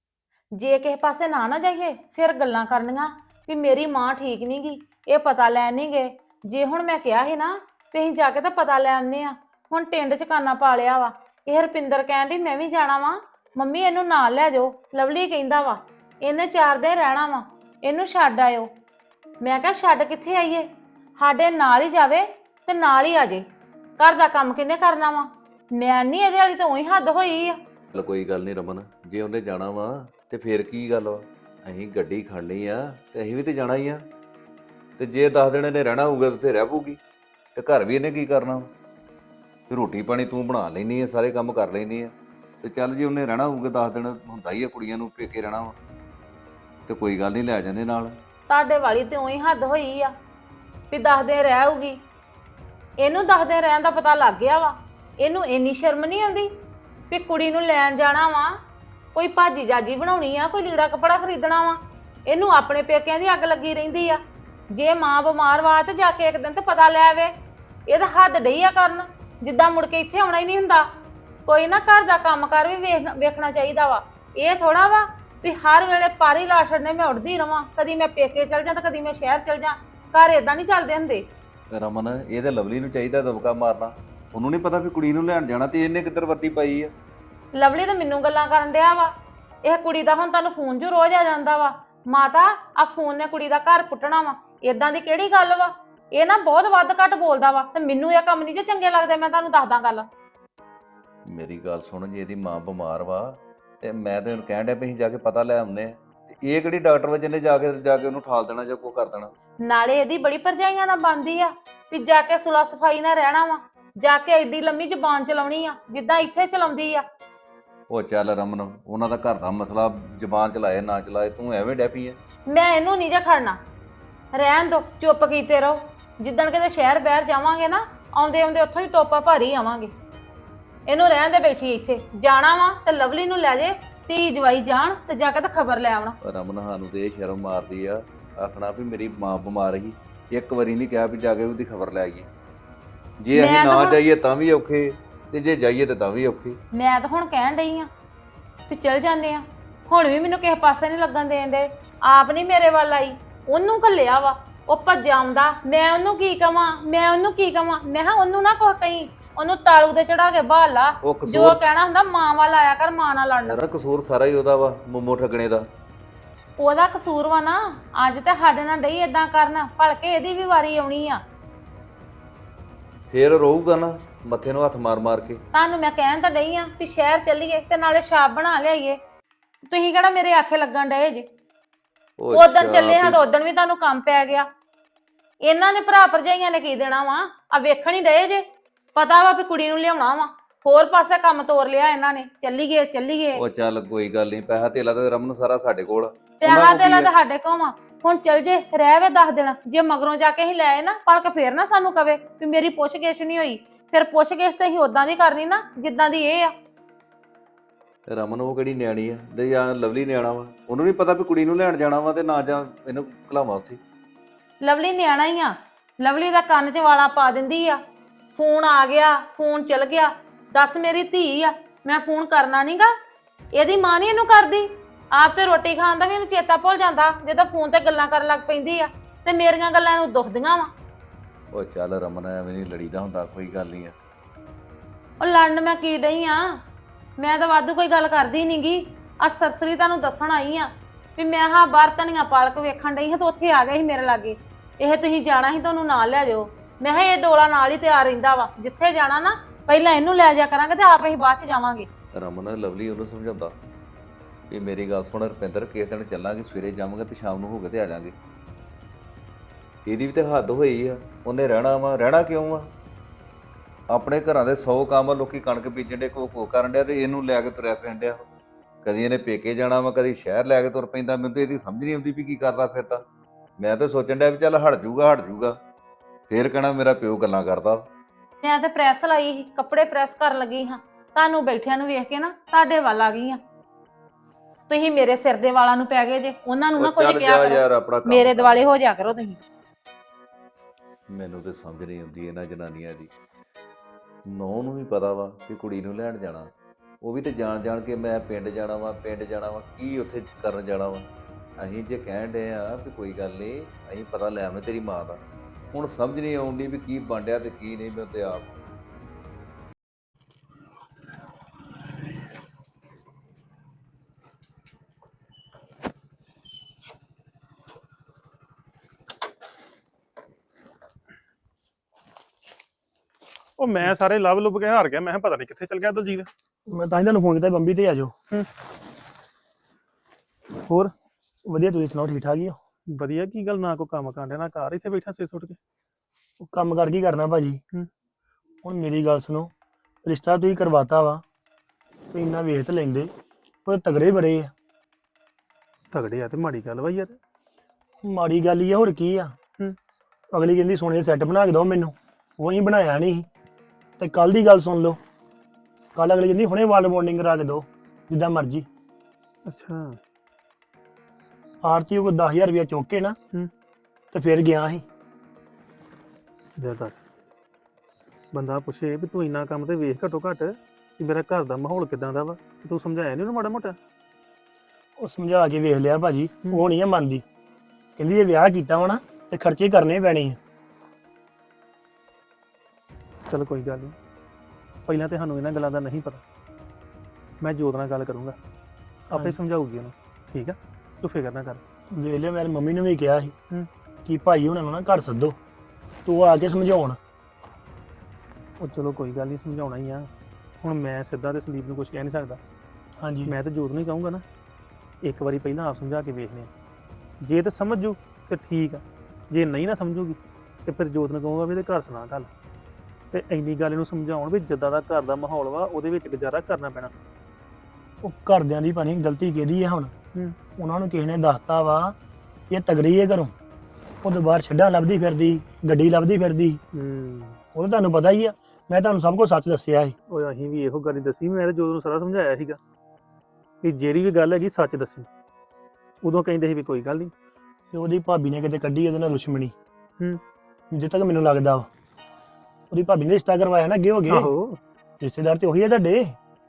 S1: ਜੇ ਕਿਸੇ ਪਾਸੇ ਨਾ ਨਾ ਜਾਈਏ ਫਿਰ ਗੱਲਾਂ ਕਰਨੀਆਂ ਵੀ ਮੇਰੀ ਮਾਂ ਠੀਕ ਨੀ ਗੀ, ਇਹ ਪਤਾ ਲੈਣ ਨਹੀਂ ਗਏ। ਜੇ ਹੁਣ ਮੈਂ ਕਿਹਾ ਸੀ ਨਾ ਵੀ ਅਸੀਂ ਜਾ ਕੇ ਤਾਂ ਪਤਾ ਲੈ ਆਉਂਦੇ ਆ, ਹੁਣ ਟਿੰਡ ਚ ਕਾਨਾ ਪਾ ਲਿਆ ਵਾ। ਇਹ ਰੁਪਿੰਦਰ ਕਹਿਣ ਡਈ ਮੈਂ ਵੀ ਜਾਣਾ ਵਾ, ਮੰਮੀ ਇਹਨੂੰ ਨਾਲ ਲੈ ਜਾਓ। ਲਵਲੀ ਕਹਿੰਦਾ ਵਾ ਇਹਨੇ ਚਾਰ ਦਿਨ ਰਹਿਣਾ ਵਾ, ਇਹਨੂੰ ਛੱਡ ਆਇਓ। ਮੈਂ ਕਿਹਾ ਛੱਡ ਕਿੱਥੇ ਆਈਏ, ਸਾਡੇ ਨਾਲ ਹੀ ਜਾਵੇ ਤੇ ਨਾਲ ਹੀ ਆ ਜੇ। ਘਰ ਦਾ ਕੰਮ ਕਿਹਨੇ ਕਰਨਾ ਵਾ, ਮੈਂ ਨਹੀਂ, ਇਹਦੇ ਵਾਲੀ ਤਾਂ ਉਹੀ ਹੱਦ ਹੋਈ ਆ।
S7: ਚਲ ਕੋਈ ਗੱਲ ਨਹੀਂ ਰਮਨ, ਜੇ ਉਹਨੇ ਜਾਣਾ ਵਾ ਤੇ ਫੇਰ ਕੀ ਗੱਲ ਵਾ, ਅਸੀਂ ਗੱਡੀ ਖੜਨੀ ਆ ਤੇ ਅਸੀਂ ਵੀ ਤੇ ਜਾਣਾ ਹੀ ਆ। ਤੇ ਜੇ ਦਸ ਦਿਨ ਇਹਨੇ ਰਹਿਣਾ ਹੋਊਗਾ ਤੇ ਉੱਥੇ ਰਹਿ ਪਊਗੀ, ਤੇ ਘਰ ਵੀ ਇਹਨੇ ਕੀ ਕਰਨਾ। ਤੇ ਰੋਟੀ ਪਾਣੀ ਤੂੰ ਬਣਾ ਲੈਣੀ ਆ, ਸਾਰੇ ਕੰਮ ਕਰ ਲੈਣੀ ਆ। ਤੇ ਚੱਲ ਜੇ ਉਹਨੇ ਰਹਿਣਾ ਹੋਊਗਾ ਦਸ ਦਿਨ, ਹੁੰਦਾ ਹੀ ਆ ਕੁੜੀਆਂ ਨੂੰ ਪੇਕੇ ਰਹਿਣਾ ਵਾ, ਤੇ ਕੋਈ ਗੱਲ ਨਹੀਂ ਲੈ ਜਾਂਦੇ ਨਾਲ।
S1: ਤੁਹਾਡੇ ਵਾਲੀ ਤੇ ਉਹੀ ਹੱਦ ਹੋਈ ਆ ਵੀ ਦਸ ਦਿਨ ਰਹਿਊਗੀ। ਇਹਨੂੰ ਦਸ ਦਿਨ ਰਹਿਣ ਦਾ ਪਤਾ ਲੱਗ ਗਿਆ ਵਾ, ਇਹਨੂੰ ਇੰਨੀ ਸ਼ਰਮ ਨਹੀਂ ਆਉਂਦੀ ਵੀ ਕੁੜੀ ਨੂੰ ਲੈਣ ਜਾਣਾ ਵਾ, ਕੋਈ ਭਾਜੀ ਜਾਜੀ ਬਣਾਉਣੀ ਆ, ਕੋਈ ਲੀੜਾ ਕੱਪੜਾ ਖਰੀਦਣਾ ਵਾ। ਇਹਨੂੰ ਆਪਣੇ ਪੇਕਿਆਂ ਦੀ ਅੱਗ ਲੱਗੀ ਰਹਿੰਦੀ ਆ। ਜੇ ਮਾਂ ਬਿਮਾਰ ਵਾ ਤੇ ਜਾ ਕੇ ਇੱਕ ਦਿਨ ਤੇ ਪਤਾ ਲੈ ਆਵੇ। ਇਹ ਤਾਂ ਹੱਦ ਡਈ ਆ ਕਰਨ, ਜਿੱਦਾਂ ਮੁੜ ਕੇ ਇੱਥੇ ਆਉਣਾ ਹੀ ਨਹੀਂ ਹੁੰਦਾ। ਕੋਈ ਨਾ ਘਰ ਦਾ ਕੰਮ ਕਰ ਵੀ ਵੇਖਣਾ ਵੇਖਣਾ ਚਾਹੀਦਾ ਵਾ। ਇਹ ਥੋੜਾ ਵਾ ਵੀ ਹਰ ਵੇਲੇ ਪਾਰੀ ਲਾ ਛੱਡਨੇ ਮੈਂ ਉੱਡਦੀ ਰਵਾਂ, ਕਦੀ ਮੈਂ ਪੇਕੇ ਚਲ ਜਾਂ ਤੇ ਕਦੀ ਮੈਂ ਸ਼ਹਿਰ ਚਲ ਜਾਂ। ਘਰ ਏਦਾਂ ਨਹੀਂ ਚੱਲਦੇ ਹੁੰਦੇ।
S7: ਰਮਨ ਇਹ ਤੇ ਲਵਲੀ ਨੂੰ ਚਾਹੀਦਾ ਦਬਕਾ ਮਾਰਨਾ, ਉਹਨੂੰ ਨਹੀਂ ਪਤਾ ਵੀ ਕੁੜੀ ਨੂੰ ਲੈਣ ਜਾਣਾ, ਤੇ ਇਹਨੇ ਕਿੱਧਰ ਵਰਤੀ ਪਾਈ ਆ।
S1: ਲਵਲੀ ਤਾਂ ਮੈਨੂੰ ਗੱਲਾਂ ਕਰਨ ਡਿਆ ਵਾ, ਇਹ ਕੁੜੀ ਦਾ ਹੁਣ ਤੁਹਾਨੂੰ ਫੋਨ ਜੂ ਰੋਜ਼ ਆ ਜਾਂਦਾ ਵਾ, ਮਾਤਾ ਆ ਫੋਨ ਨੇ ਕੁੜੀ ਦਾ ਘਰ ਪੁੱਟਣਾ ਵਾ। ਏਦਾਂ ਦੀ ਕਿਹੜੀ ਗੱਲ ਵਾ, ਇਹ ਨਾ ਬਹੁਤ ਵੱਧ ਘੱਟ ਬੋਲਦਾ ਵਾ, ਤੇ ਮੈਨੂੰ ਇਹ ਕੰਮ ਨਹੀਂ ਜੇ ਚੰਗੇ ਲੱਗਦੇ। ਮੈਂ ਤੁਹਾਨੂੰ ਦੱਸਦਾ ਗੱਲ।
S7: ਮੇਰੀ ਗੱਲ ਸੁਣ, ਜੇ ਇਹਦੀ ਮਾਂ ਬਿਮਾਰ ਵਾ ਤੇ ਮੈਂ ਤੇ ਉਹਨੂੰ ਕਹਿਣ ਡਿਆ ਵੀ ਅਸੀਂ ਜਾ ਕੇ ਪਤਾ ਲੈ ਆਉਂਦੇ ਆ, ਤੇ ਇਹ ਕਿਹੜੀ ਡਾਕਟਰ ਵਾ ਜਿਹਨੇ ਜਾ ਕੇ ਜਾ ਕੇ ਉਹਨੂੰ ਠਾਲ ਦੇਣਾ ਜਾਂ ਕੋਈ ਕਰ ਦੇਣਾ।
S1: ਨਾਲੇ ਇਹਦੀ ਬੜੀ ਭਰਜਾਈਆਂ ਨਾਲ ਬਣਦੀ ਆ ਵੀ ਜਾ ਕੇ ਸੁਲਾ ਸਫਾਈ ਨਾਲ ਰਹਿਣਾ ਵਾ, ਜਾ ਕੇ ਐਡੀ ਲੰਮੀ ਜ਼ਬਾਨ ਚਲਾਉਣੀ ਆ ਜਿੱਦਾਂ ਇੱਥੇ ਚਲਾਉਂਦੀ ਆ।
S7: ਉਹ ਚੱਲ ਰਮਨ, ਉਹਨਾਂ ਦਾ ਘਰ ਦਾ ਮਸਲਾ, ਜ਼ਬਾਨ ਚਲਾਏ ਨਾ ਚਲਾਏ, ਤੂੰ ਐਵੇਂ ਡੈਪੀ ਐ।
S1: ਮੈਂ ਇਹਨੂੰ ਨਹੀਂ ਜੇ ਖੜਨਾ, ਰਹਿਣ ਦੋ, ਚੁੱਪ ਕੀਤੇ ਰਹੋ। ਜਿੱਦਣ ਕਿਤੇ ਸ਼ਹਿਰ ਬਾਹਰ ਜਾਵਾਂਗੇ ਨਾ, ਆਉਂਦੇ ਆਉਂਦੇ ਉੱਥੋਂ ਹੀ ਤੋਪਾ ਭਾਰੀ ਆਵਾਂਗੇ। ਇਹਨੂੰ ਰਹਿਣ ਦੇ ਬੈਠੀ ਇੱਥੇ, ਜਾਣਾ ਵਾ ਤੇ ਲਵਲੀ ਨੂੰ ਲੈ ਜੇ, ਧੀ ਜਵਾਈ ਜਾਣ ਤੇ ਜਾ ਕੇ ਤਾਂ ਖਬਰ ਲੈ ਆਉਣਾ।
S7: ਰਮਨ ਸਾਨੂੰ ਤੇ ਇਹ ਸ਼ਰਮ ਮਾਰਦੀ ਆ, ਆਖਣਾ ਵੀ ਮੇਰੀ ਮਾਂ ਬਿਮਾਰ ਸੀ, ਇੱਕ ਵਾਰੀ ਨਹੀਂ ਕਿਹਾ ਵੀ ਜਾ ਕੇ ਉਹਦੀ ਖਬਰ ਲੈ ਆਈਏ। ਜੇ ਅਸੀਂ
S1: ਮੈਂ ਤਾਂ
S7: ਨਾ
S1: ਹੁਣ-
S7: ਜਾਈਏ ਤਾਂ ਵੀ ਔਖੇ, ਤੇ ਜੇ ਜਾਈਏ ਤੇ ਤਾਂ ਵੀ ਔਖੇ।
S1: ਮੈਂ ਤਾਂ ਹੁਣ ਕਹਿਣ ਡਈ ਆ ਵੀ ਚੱਲ ਜਾਂਦੇ ਆ। ਹੁਣ ਵੀ ਮੈਨੂੰ ਕਿਸੇ ਪਾਸੇ ਨਹੀਂ ਲੱਗਣ ਦੇਣ ਦੇ। ਆਪ ਨਹੀਂ ਮੇਰੇ ਵੱਲ ਆਈ, ਉਹਨੂੰ ਘੱਲਿਆ ਵਾ, ਉਹ ਭੱਜ ਆਉਂਦਾ। ਮੈਂ ਉਹਨੂੰ ਕੀ ਕਵਾਂ, ਮੈਂ ਉਹਨੂੰ ਕੀ ਕਵਾਂ। ਮੈਂ ਕਿਹਾ ਉਹਨੂੰ ਨਾ ਕੁਛ ਕਹੀਂ, ਉਹਨੂੰ ਤਾਲੂ ਤੇ ਚੜਾ ਕੇ ਬਾਹਰ ਲਾ।
S7: ਉਹ
S1: ਜੋ
S7: ਕਸੂਰ
S1: ਕਹਿਣਾ ਹੁੰਦਾ ਮਾਂ ਵੱਲ ਆਇਆ ਕਰ, ਮਾਂ ਨਾਲ ਲੜਨਾ।
S7: ਯਾਰਾ ਕਸੂਰ ਸਾਰਾ ਹੀ ਉਹਦਾ ਵਾ, ਮੋਮੋ ਠੱਗਣੇ ਦਾ।
S1: ਉਹਦਾ ਕਸੂਰ ਵਾ ਨਾ, ਅੱਜ ਤੇ ਸਾਡੇ ਨਾਲ ਡਈ ਏਦਾਂ ਕਰਨ, ਭਲਕੇ ਇਹਦੀ ਵੀ ਵਾਰੀ ਆਉਣੀ ਆ।
S7: ਫੇਰ ਰਹੂਗਾ ਨਾ ਮੱਥੇ ਨੂੰ ਹੱਥ ਮਾਰ ਮਾਰ ਕੇ।
S1: ਤੁਹਾਨੂੰ ਮੈਂ ਕਹਿਣ ਤਾਂ ਡਈ ਆ ਵੀ ਸ਼ਹਿਰ ਚੱਲੀਏ ਤੇ ਨਾਲੇ ਛਾਪ ਬਣਾ ਲਿਆਈਏ। ਤੁਸੀਂ ਕਿਹੜਾ ਮੇਰੇ ਆਖੇ ਲੱਗਣ ਡਏ ਜੇ।
S7: ਉਹ
S1: ਉਦੋਂ
S7: ਅੱਛਾ
S1: ਚੱਲੇ ਹਾਂ
S7: ਵੀ-
S1: ਤਾਂ ਉਦੋਂ ਵੀ ਤੁਹਾਨੂੰ ਕੰਮ ਪੈ ਗਿਆ। ਇਹਨਾਂ ਨੇ ਭਰਾ ਭਰਜਾਈਆਂ ਨੇ ਕੀ ਦੇਣਾ ਵਾ, ਆ ਵੇਖਣ ਹੀ ਡਏ ਜੇ। ਪਤਾ ਵਾ ਵੀ ਕੁੜੀ ਨੂੰ ਲਿਆਉਣਾ ਵਾ, ਹੋਰ ਪਾਸੇ ਕੰਮ ਤੋਰ ਲਿਆ ਇਹਨਾਂ ਨੇ। ਚੱਲੀਏ ਚੱਲੀਏ,
S7: ਉਹ ਚੱਲ ਕੋਈ ਗੱਲ ਨਹੀਂ, ਪੈਸਾ ਧੇਲਾ ਤੇ ਰਮਨ ਸਾਰਾ ਸਾਡੇ ਕੋਲ।
S1: ਪਿਆਹਾ ਦੇਲਾ ਤਾਂ ਸਾਡੇ ਕੋਲ ਵਾ। ਹੁਣ ਚੱਲ ਜੇ, ਰਹਿ ਵੇ ਦਸ ਦਿਨ। ਜੇ ਮਗਰੋਂ ਜਾ ਕੇ ਅਸੀਂ ਲੈ ਆਏ ਨਾ, ਭਲਕ ਫੇਰ ਨਾ ਸਾਨੂੰ ਕਵੇ ਵੀ ਮੇਰੀ ਪੁੱਛ ਗਿੱਛ ਨਹੀਂ ਹੋਈ। ਫਿਰ ਪੁੱਛ ਗਿੱਛ ਤੇ ਅਸੀਂ ਉਦਾਂ ਦੀ ਕਰਨੀ ਨਾ ਜਿੱਦਾਂ ਦੀ ਇਹ ਆ।
S7: ਰਮਨ ਉਹ ਕਿਹੜੀ ਨਿਆਣੀ ਆ, ਤੇ ਜਾਂ ਲਵਲੀ ਨਿਆਣਾ ਵਾ, ਉਹਨੂੰ ਨਹੀਂ ਪਤਾ ਵੀ ਕੁੜੀ ਨੂੰ ਲੈਣ ਜਾਣਾ ਵਾ, ਤੇ ਨਾ ਜਾਂ ਇਹਨੂੰ ਘਲਾਵਾ ਉੱਥੇ।
S1: ਲਵਲੀ ਨਿਆਣਾ ਹੀ ਆ, ਲਵਲੀ ਦਾ ਕੰਨ 'ਚ ਵਾਲਾ ਪਾ ਦਿੰਦੀ ਆ। ਫੋਨ ਆ ਗਿਆ, ਫੋਨ ਚਲ ਗਿਆ। ਦੱਸ ਮੇਰੀ ਧੀ ਆ, ਮੈਂ ਫੋਨ ਕਰਨਾ ਨਹੀਂਗਾ। ਇਹਦੀ ਮਾਂ ਨਹੀਂ ਇਹਨੂੰ ਕਰਦੀ। ਆਪ ਤੇ ਰੋਟੀ ਖਾਣ ਦਾ ਵੀ ਇਹਨੂੰ ਚੇਤਾ ਭੁੱਲ ਜਾਂਦਾ ਜਦੋਂ ਫੋਨ ਤੇ ਗੱਲਾਂ ਕਰਨ ਲੱਗ ਪੈਂਦੀ ਆ, ਤੇ ਮੇਰੀਆਂ ਗੱਲਾਂ ਇਹਨੂੰ ਦੁਖਦੀਆਂ ਵਾ।
S7: ਉਹ ਚੱਲ ਰਮਨ, ਐਵੇਂ ਨਹੀਂ ਲੜੀਦਾ ਹੁੰਦਾ, ਕੋਈ ਗੱਲ ਨਹੀਂ ਆ।
S1: ਉਹ ਲੜਨ ਮੈਂ ਕੀ ਡਈ ਆ, ਮੈਂ ਤਾਂ ਵਾਧੂ ਕੋਈ ਗੱਲ ਕਰਦੀ ਨਹੀਂਗੀ। ਆ ਸਰਸਰੀ ਤੁਹਾਨੂੰ ਦੱਸਣ ਆਈ ਆ ਵੀ ਮੈਂ ਹਾਂ ਬਾਹਰ ਧਨੀਆਂ ਪਾਲਕ ਵੇਖਣ ਡਈ ਹਾਂ, ਤੇ ਉੱਥੇ ਆ ਗਏ ਸੀ ਮੇਰੇ ਲਾਗੇ। ਇਹ ਤੁਸੀਂ ਜਾਣਾ ਸੀ, ਤੁਹਾਨੂੰ ਨਾਲ ਲੈ ਜਾਓ। ਮੈਂ ਕਿਹਾ ਇਹ ਡੋਲਾ ਨਾਲ ਹੀ ਤਿਆਰ ਰਹਿੰਦਾ ਵਾ, ਜਿੱਥੇ ਜਾਣਾ ਨਾ ਪਹਿਲਾਂ ਇਹਨੂੰ ਲੈ ਜਾ ਕਰਾਂਗੇ ਤੇ ਆਪ ਅਸੀਂ ਬਾਅਦ ਚ ਜਾਵਾਂਗੇ।
S7: ਰਮਨ ਲਵਲੀ ਉਹਨੂੰ ਸਮਝਾਉਂਦਾ ਵੀ ਮੇਰੀ ਗੱਲ ਸੁਣ ਰੁਪਿੰਦਰ, ਕਿਸੇ ਦਿਨ ਚੱਲਾਂਗੇ, ਸਵੇਰੇ ਜਾਵਾਂਗੇ ਤੇ ਸ਼ਾਮ ਨੂੰ ਹੋ ਕੇ ਤੇ ਆ ਜਾਾਂਗੇ। ਇਹਦੀ ਵੀ ਤੇ ਹੱਦ ਹੋਈ ਆ, ਉਹਨੇ ਰਹਿਣਾ ਵਾ, ਰਹਿਣਾ ਕਿਉਂ ਆ? ਆਪਣੇ ਘਰਾਂ ਦੇ ਸੌ ਕੰਮ ਲੋਕੀ ਕਣਕ ਬੀਜਣ ਦੇ ਕੋ ਕੋ ਕਰਨ ਡਿਆ, ਤੇ ਇਹਨੂੰ ਲੈ ਕੇ ਤੁਰਿਆ ਫਿਰਨ ਡਿਆ। ਕਦੀ ਇਹਨੇ ਪੇਕੇ ਜਾਣਾ ਵਾ, ਕਦੀ ਸ਼ਹਿਰ ਲੈ ਕੇ ਤੁਰ ਪੈਂਦਾ। ਮੈਨੂੰ ਤਾਂ ਇਹਦੀ ਸਮਝ ਨਹੀਂ ਆਉਂਦੀ ਵੀ ਕੀ ਕਰਦਾ ਫਿਰਦਾ। ਮੈਂ ਤਾਂ ਸੋਚਣ ਡਿਆ ਵੀ ਚੱਲ ਹਟ ਜੂਗਾ ਹਟ ਜੂਗਾ, ਫੇਰ ਕਹਿਣਾ ਮੇਰਾ ਪਿਓ ਗੱਲਾਂ ਕਰਦਾ।
S1: ਮੈਂ ਤੇ ਪ੍ਰੈਸ ਲਾਈ ਸੀ, ਕੱਪੜੇ ਪ੍ਰੈਸ ਕਰਨ ਲੱਗੀ ਹਾਂ, ਤੁਹਾਨੂੰ ਬੈਠਿਆਂ ਨੂੰ ਵੇਖ ਕੇ ਨਾ ਤੁਹਾਡੇ ਵੱਲ ਆ ਗਈ ਹਾਂ।
S8: ਤੁਸੀਂ ਮੇਰੇ ਸਿਰ ਦੇ ਵਾਲਾਂ ਨੂੰ ਪੈ ਗਏ ਜੇ, ਉਹਨਾਂ ਨੂੰ ਨਾ
S7: ਉਹ
S8: ਕੁਝ
S7: ਚੱਲ
S8: ਕਿਹਾ
S7: ਜਾ
S8: ਕਰੋ।
S7: ਯਾਰ ਆਪਣਾ ਕੰਮ
S8: ਮੇਰੇ
S7: ਕਰ।
S8: ਦਿਵਾਲੇ ਹੋ ਜਾ ਕਰੋ ਤੁਸੀਂ।
S7: ਮੈਨੂੰ ਤੇ ਸਮਝ ਨਹੀਂ ਆਉਂਦੀ ਇਹਨਾਂ ਜਨਾਨੀਆਂ ਦੀ। ਨੌ ਨੂੰ ਵੀ ਪਤਾ ਵਾ ਕਿ ਕੁੜੀ ਨੂੰ ਲੈਣ ਜਾਣਾ, ਉਹ ਵੀ ਤੇ ਜਾਣ ਜਾਣ ਕੇ ਮੈਂ ਪਿੰਡ ਜਾਣਾ ਵਾ ਪਿੰਡ ਜਾਣਾ ਵਾ ਕੀ ਉੱਥੇ ਕਰਨ ਜਾਣਾ ਵਾ। ਅਸੀਂ ਜੇ ਕਹਿਣ ਡਏ ਆ ਵੀ ਕੋਈ ਗੱਲ ਨਹੀਂ, ਅਸੀਂ ਪਤਾ ਲੈ ਆਉਂਦੇ ਤੇਰੀ ਮਾਂ ਦਾ। ਹੁਣ ਸਮਝ ਨਹੀਂ ਆਉਂਦੀ ਵੀ ਕੀ ਬਾਂਡਿਆ ਤੇ ਕੀ ਨਹੀਂ। ਮੈਂ ਤੇ ਆਪ
S9: ਉਹ ਮੈਂ ਸਾਰੇ ਲੱਭ ਲੁੱਭ ਕੇ ਹਾਰ ਗਿਆ। ਮੈਂ ਕਿਹਾ ਪਤਾ ਨਹੀਂ ਕਿੱਥੇ ਚਲ ਗਿਆ ਦਲਜੀਤ।
S3: ਮੈਂ ਤਾਂ ਹੀ ਤੁਹਾਨੂੰ ਫੋਨ ਕੀਤਾ ਬੰਬੀ ਤੇ ਆ ਜਾਓ।
S9: ਹੂੰ।
S3: ਹੋਰ ਵਧੀਆ, ਤੁਸੀਂ ਸੁਣਾਓ ਠੀਕ ਠਾਕ ਹੀ ਹੋ?
S9: ਵਧੀਆ ਕੀ ਗੱਲ, ਨਾ ਕੋਈ ਕੰਮ ਕਾਂਡਿਆ ਨਾ ਘਰ, ਇੱਥੇ ਬੈਠਾ ਸੇ ਸੁੱਟ ਕੇ।
S3: ਉਹ ਕੰਮ ਕਰ ਕੀ ਕਰਨਾ ਭਾਜੀ।
S9: ਹੂੰ।
S3: ਹੁਣ ਮੇਰੀ ਗੱਲ ਸੁਣੋ, ਰਿਸ਼ਤਾ ਤੁਸੀਂ ਕਰਵਾਤਾ ਵਾ, ਤੁਸੀਂ ਇੰਨਾ ਵੇਖ ਤਾਂ ਲੈਂਦੇ, ਪਰ ਤਗੜੇ ਬੜੇ ਆ।
S9: ਤਗੜੇ ਆ ਤੇ ਮਾੜੀ ਗੱਲ ਵਾ ਯਾਰ।
S3: ਮਾੜੀ ਗੱਲ ਹੀ ਆ, ਹੋਰ ਕੀ ਆ।
S9: ਹੂੰ।
S3: ਅਗਲੀ ਕਹਿੰਦੀ ਸੋਨੇ ਦਾ ਸੈੱਟ ਬਣਾ ਕੇ ਦਿਓ ਮੈਨੂੰ, ਉਹ ਹੀ ਬਣਾਇਆ ਨਹੀਂ। ਤੇ ਕੱਲ ਦੀ ਗੱਲ ਸੁਣ ਲਓ, ਕੱਲ ਅਗਲੀ ਕਹਿੰਦੀ ਹੁਣੇ ਵਾਲ ਬੌਂਡਿੰਗ ਕਰਾ ਕੇ ਦਿਓ ਜਿੱਦਾਂ ਮਰਜ਼ੀ।
S9: ਅੱਛਾ।
S3: ਆਰਤੀ ਉਹ ਦਸ ਹਜ਼ਾਰ ਰੁਪਇਆ ਚੁੱਕ ਕੇ ਨਾ
S9: ਹੂੰ।
S3: ਤੇ ਫਿਰ ਗਿਆ ਸੀ।
S9: ਲੈ ਦੱਸ, ਬੰਦਾ ਪੁੱਛੇ ਵੀ ਤੂੰ ਇੰਨਾ ਕੰਮ ਤੇ ਵੇਖ ਘੱਟੋ ਘੱਟ ਕਿ ਮੇਰਾ ਘਰ ਦਾ ਮਾਹੌਲ ਕਿਦਾਂ ਦਾ ਵਾ, ਤੇ ਤੂੰ ਸਮਝਾਇਆ ਨਹੀਂ ਉਹਨੂੰ ਮਾੜਾ ਮੋਟਾ?
S3: ਉਹ ਸਮਝਾ ਕੇ ਵੇਖ ਲਿਆ ਭਾਜੀ,
S9: ਹੂੰ।
S3: ਉਹ ਨਹੀਂ ਆ ਮੰਨਦੀ। ਕਹਿੰਦੀ ਜੇ ਵਿਆਹ ਕੀਤਾ ਵਾ ਨਾ ਤੇ ਖਰਚੇ ਕਰਨੇ ਪੈਣੇ ਆ।
S9: ਚਲ ਕੋਈ ਗੱਲ ਨਹੀਂ, ਪਹਿਲਾਂ ਤੇ ਸਾਨੂੰ ਇਹਨਾਂ ਗੱਲਾਂ ਦਾ ਨਹੀਂ ਪਤਾ। ਮੈਂ ਜੋਤ ਨਾਲ ਗੱਲ ਕਰੂੰਗਾ, ਆਪੇ
S3: ਹਾਂਜੀ।
S9: ਸਮਝਾਊਗੀ ਉਹਨੂੰ। ਠੀਕ ਆ, ਤੂੰ ਫਿਕਰ ਨਾ ਕਰ।
S3: ਵੇਖ ਲਿਆ, ਮੇਰੀ ਮੰਮੀ ਨੂੰ ਵੀ ਕਿਹਾ ਸੀ
S9: ਹੂੰ।
S3: ਕਿ ਭਾਈ ਉਹਨਾਂ ਨੂੰ ਨਾ ਘਰ ਸੱਦੋ, ਤੂੰ ਆ ਕੇ ਸਮਝਾਉਣ।
S9: ਉਹ ਚਲੋ ਕੋਈ ਗੱਲ ਨਹੀਂ, ਸਮਝਾਉਣਾ ਹੀ ਆ। ਹੁਣ ਮੈਂ ਸਿੱਧਾ ਤੇ ਸੰਦੀਪ ਨੂੰ ਕੁਝ ਕਹਿ ਨਹੀਂ ਸਕਦਾ।
S3: ਹਾਂਜੀ
S9: ਮੈਂ ਤਾਂ ਜੋਤ ਨੂੰ ਹੀ ਕਹੂੰਗਾ ਨਾ, ਇੱਕ ਵਾਰੀ ਪਹਿਲਾਂ ਆਪ ਸਮਝਾ ਕੇ ਵੇਖਨੇ ਆ। ਜੇ ਤਾਂ ਸਮਝ ਜੂ ਤੇ ਠੀਕ ਆ, ਜੇ ਨਹੀਂ ਨਾ ਸਮਝੂਗੀ ਤੇ ਫਿਰ ਜੋਤ ਨੂੰ ਕਹੂੰਗਾ ਵੀ ਇਹਦੇ ਘਰ ਸੁਣਾ ਗੱਲ, ਤੇ ਇੰਨੀ ਗੱਲ ਇਹਨੂੰ ਸਮਝਾਉਣ ਵੀ ਜਿੱਦਾਂ ਦਾ ਘਰ ਦਾ ਮਾਹੌਲ ਵਾ ਉਹਦੇ ਵਿੱਚ ਗੁਜ਼ਾਰਾ ਕਰਨਾ ਪੈਣਾ।
S3: ਉਹ ਘਰਦਿਆਂ ਦੀ ਭਾਣੀ ਗਲਤੀ ਕਿਹਦੀ ਹੈ ਹੁਣ?
S9: ਹੂੰ।
S3: ਉਹਨਾਂ ਨੂੰ ਕਿਸੇ ਨੇ ਦੱਸਤਾ ਵਾ ਇਹ ਤਗੜੀ ਹੈ ਘਰੋਂ, ਉਹਦੇ ਬਾਹਰ ਛੱਡਾਂ ਲੱਭਦੀ ਫਿਰਦੀ, ਗੱਡੀ ਲੱਭਦੀ ਫਿਰਦੀ।
S9: ਹੂੰ।
S3: ਉਹ ਤਾਂ ਤੁਹਾਨੂੰ ਪਤਾ ਹੀ ਆ, ਮੈਂ ਤੁਹਾਨੂੰ ਸਭ ਕੁਝ ਸੱਚ ਦੱਸਿਆ ਸੀ।
S9: ਉਹ ਅਸੀਂ ਵੀ ਇਹੋ ਗੱਲ ਹੀ ਦੱਸੀ, ਮੈਂ ਤਾਂ ਜੋਤ ਨੂੰ ਸਾਰਾ ਸਮਝਾਇਆ ਸੀਗਾ ਕਿ ਜਿਹੜੀ ਵੀ ਗੱਲ ਹੈਗੀ ਸੱਚ ਦੱਸੀ। ਉਦੋਂ ਕਹਿੰਦੇ ਸੀ ਵੀ ਕੋਈ ਗੱਲ ਨਹੀਂ।
S3: ਤੇ ਉਹਦੀ ਭਾਬੀ ਨੇ ਕਿਤੇ ਕੱਢੀ ਉਹਦੇ ਨਾਲ ਦੁਸ਼ਮਣੀ।
S9: ਹੂੰ।
S3: ਜਿੱਥੇ ਤੱਕ ਮੈਨੂੰ ਲੱਗਦਾ ਵਾ ਉਹਦੀ ਭਾਬੀ ਨੇ ਰਿਸ਼ਤਾ ਕਰਵਾਇਆ ਨਾ, ਅੱਗੇ ਹੋ ਗਏ
S9: ਆਹੋ।
S3: ਰਿਸ਼ਤੇਦਾਰ ਤੇ ਉਹੀ ਹੈ ਤੁਹਾਡੇ।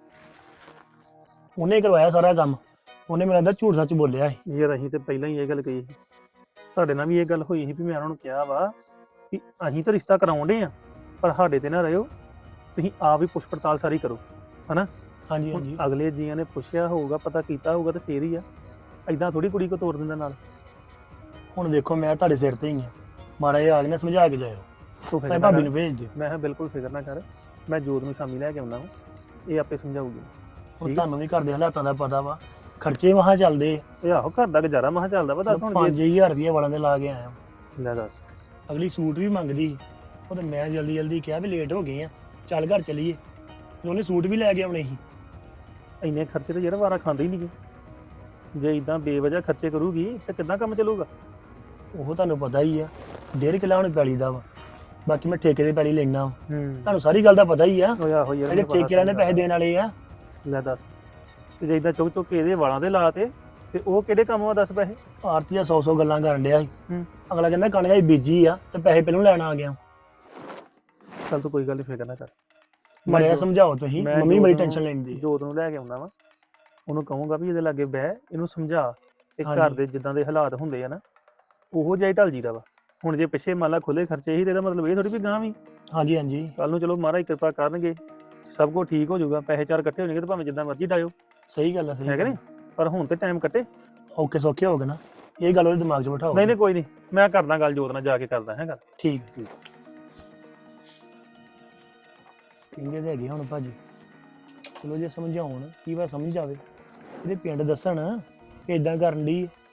S3: ਉਹਨੇ ਕਰਵਾਇਆ ਸਾਰਾ ਕੰਮ, ਉਹਨੇ ਮੇਰਾ ਅੰਦਰ ਝੂਠ ਸੱਚ ਬੋਲਿਆ ਸੀ।
S9: ਯਾਰ ਅਸੀਂ ਤੇ ਪਹਿਲਾਂ ਹੀ ਇਹ ਗੱਲ ਕਹੀ ਸੀ, ਤੁਹਾਡੇ ਨਾਲ ਵੀ ਇਹ ਗੱਲ ਹੋਈ ਸੀ ਵੀ ਮੈਂ ਉਹਨਾਂ ਨੂੰ ਕਿਹਾ ਵਾ ਕਿ ਅਸੀਂ ਤਾਂ ਰਿਸ਼ਤਾ ਕਰਾਉਂਦੇ ਆ, ਪਰ ਸਾਡੇ ਤੇ ਨਾ ਰਹਿਓ, ਤੁਸੀਂ ਆਪ ਹੀ ਪੁੱਛ ਪੜਤਾਲ ਸਾਰੀ ਕਰੋ, ਹਨਾ।
S3: ਹਾਂਜੀ
S9: ਹੁਣ
S3: ਹਾਂਜੀ।
S9: ਅਗਲੇ ਜੀਆਂ ਨੇ ਪੁੱਛਿਆ ਹੋਊਗਾ, ਪਤਾ ਕੀਤਾ ਹੋਊਗਾ ਤੇ ਫੇਰ ਹੀ ਆ। ਐਦਾਂ ਥੋੜੀ ਕੁੜੀ ਕੋ ਤੋੜ ਦਿੰਦਾ ਨਾਲ।
S3: ਹੁਣ ਵੇਖੋ ਮੈਂ ਤੁਹਾਡੇ ਸਿਰ ਤੇ ਹੀ ਆ, ਮਾੜਾ ਜਿਹਾ ਆ ਕੇ ਨਾ ਸਮਝਾ ਕੇ ਜਾਇਓ।
S9: ਤੂੰ ਫਿਕਰ
S3: ਮੈਂ
S9: ਨਾ
S3: ਭਾਬੀ
S9: ਕਰ।
S3: ਨੂੰ ਭੇਜ ਦਿਓ।
S9: ਮੈਂ ਕਿਹਾ ਬਿਲਕੁਲ ਫਿਕਰ ਨਾ ਕਰ, ਮੈਂ ਜੋਤ ਨੂੰ ਸ਼ਾਮੀ ਲੈ ਕੇ ਆਉਂਦਾ ਹਾਂ, ਇਹ ਆਪੇ ਸਮਝਾਊਗੀ।
S3: ਹੁਣ
S9: ਠੀਕ ਆ।
S3: ਤੁਹਾਨੂੰ ਵੀ ਘਰ ਦੇ ਹਾਲਾਤਾਂ ਦਾ ਪਤਾ ਵਾ, ਖਰਚੇ ਮਹਾਂ ਚੱਲਦੇ।
S9: ਇਹ ਆਹੋ ਘਰ ਦਾ ਗੁਜ਼ਾਰਾ ਮਹਾ ਚੱਲਦਾ ਵਾ। ਦੱਸ ਹੁਣ
S3: ਪੰਜ
S9: ਜੇ
S3: ਹਜ਼ਾਰ ਰੁਪਏ ਵਾਲਾਂ ਦੇ ਲਾ ਕੇ ਆਇਆ।
S9: ਲੈ ਦੱਸ।
S3: ਅਗਲੀ ਸੂਟ ਵੀ ਮੰਗਦੀ ਸੀ, ਉਹ ਤੇ ਮੈਂ ਜਲਦੀ ਜਲਦੀ ਕਿਹਾ ਵੀ ਲੇਟ ਹੋ ਗਏ ਆ, ਚੱਲ ਘਰ ਚੱਲੀਏ। ਤੇ ਉਹਨੇ ਸੂਟ ਵੀ ਲੈ ਕੇ ਆਉਣੇ ਸੀ।
S9: ਇੰਨੇ ਖਰਚੇ ਤੇ ਯਾਰ ਵਾਰਾ ਖਾਂਦੇ ਹੀ ਨਹੀਂ। ਜੇ ਇਦਾਂ ਬੇਵਜ੍ਹਾ ਖਰਚੇ ਕਰੂਗੀ ਤੇ ਕਿੱਦਾਂ ਕੰਮ ਚੱਲੂਗਾ?
S3: ਉਹ ਤੁਹਾਨੂੰ ਪਤਾ ਹੀ ਆ, ਡੇਢ ਕਿੱਲਾ ਹੁਣ ਪੈਲੀ ਦਾ ਵਾ, ਬਾਕੀ ਮੈਂ ਠੇਕੇ ਦੇ ਪੈਲੀ ਲੈਣਾ ਵਾ।
S9: ਹੂੰ।
S3: ਤੁਹਾਨੂੰ ਸਾਰੀ ਗੱਲ ਦਾ ਪਤਾ ਹੀ ਆ,
S9: ਓਏ ਆਹੋ ਯਾਰ,
S3: ਇਹਦੇ
S9: ਮੈਨੂੰ ਪਤਾ
S3: ਠੇਕੇ ਵਾਲਿਆਂ ਦੇ
S9: ਤੇਰੀ
S3: ਪੈਸੇ ਦੇਣ ਵਾਲੇ ਆ।
S9: ਲੈ ਦੱਸ, ਤੇ ਜੇ ਇਦਾਂ ਚੁੱਕ ਚੁੱਕ ਕੇ ਇਹਦੇ ਵਾਲਾਂ ਦੇ ਲਾ ਤੇ ਤੇ ਉਹ ਕਿਹੜੇ ਕੰਮ ਆ ਦੱਸ ਪੈਸੇ?
S3: ਆਰਤੀ ਦਾ ਸੌ ਸੌ ਗੱਲਾਂ ਕਰਨ ਡਿਆ ਸੀ।
S9: ਹੂੰ।
S3: ਅਗਲਾ ਕਹਿੰਦਾ ਕਣਕ ਦੀ ਬੀਜੀ ਆ ਤੇ ਪੈਸੇ ਪਹਿਲਾਂ ਲੈਣ ਆ ਗਿਆ।
S9: ਚੱਲ ਤੂੰ ਕੋਈ ਗੱਲ ਨਹੀਂ, ਫਿਕਰ ਨਾ ਕਰ।
S3: ਮੜਿਆ
S9: ਜੋ-
S3: ਸਮਝਾਓ ਤੁਸੀਂ,
S9: ਮੈਂ
S3: ਮੰਮੀ
S9: ਜੋਤ
S3: ਬੜੀ
S9: ਨੂੰ-
S3: ਟੈਨਸ਼ਨ ਲੈਂਦੀ ਆ।
S9: ਜੋਤ ਨੂੰ ਲੈ ਕੇ ਆਉਂਦਾ ਵਾ, ਉਹਨੂੰ ਕਹੂੰਗਾ ਵੀ ਇਹਦੇ ਲਾਗੇ ਬਹਿ, ਇਹਨੂੰ ਸਮਝਾ ਤੇ ਘਰ
S3: ਹਾਂਜੀ।
S9: ਦੇ ਜਿੱਦਾਂ ਦੇ ਹਾਲਾਤ ਹੁੰਦੇ ਆ ਨਾ ਉਹੋ ਜਿਹਾ ਹੀ ਢਲ ਜੀਦਾ ਵਾ। ਹੁਣ ਜੇ ਪਿੱਛੇ ਮੰਨ ਲਾ ਖੁੱਲੇ ਖਰਚੇ ਹੀ ਤੇ ਇਹਦਾ ਮਤਲਬ ਇਹ ਥੋੜੀ ਵੀ ਗਾਂ ਵੀ
S3: ਹਾਂਜੀ ਹਾਂਜੀ
S9: ਕੱਲ ਨੂੰ ਚਲੋ ਮਹਾਰਾਜ ਕਿਰਪਾ ਕਰਨਗੇ, ਸਭ ਕੁਝ ਠੀਕ ਹੋ ਜਾਊਗਾ, ਪੈਸੇ ਚਾਰ ਇਕੱਠੇ ਹੋ ਜਾਣਗੇ ਤੇ ਭਾਵੇਂ ਜਿੱਦਾਂ ਮਰਜ਼ੀ ਡਾਇਓ,
S3: ਸਹੀ ਗੱਲ ਆ, ਸਹੀ
S9: ਹੈ ਕਿ
S3: ਗੱਲ
S9: ਨਹੀਂ? ਪਰ ਹੁਣ ਤੇ ਟਾਈਮ ਕੱਟੇ।
S3: ਆ। ਔਖੇ ਸੌਖੇ ਹੋ ਗਏ ਨਾ, ਇਹ ਗੱਲ ਉਹਦੇ ਦਿਮਾਗ 'ਚ ਬਿਠਾਓ।
S9: ਨਹੀਂ ਨਹੀਂ ਕੋਈ ਨਹੀਂ, ਮੈਂ ਕਰਦਾ ਗੱਲ ਜੋਤ ਨਾਲ ਜਾ ਕੇ ਕਰਦਾ ਹੈ ਗੱਲ।
S3: ਠੀਕ ਠੀਕ ਕਹਿੰਦੇ ਤੇ ਹੈਗੇ ਹੁਣ ਭਾਜੀ, ਚਲੋ ਜੇ ਸਮਝਾਉਣ ਕੀ ਵਾ ਸਮਝ ਜਾਵੇ, ਇਹਦੇ ਪਿੰਡ ਦੱਸਣ ਕਿ ਇਦਾਂ ਕਰਨ ਦੀ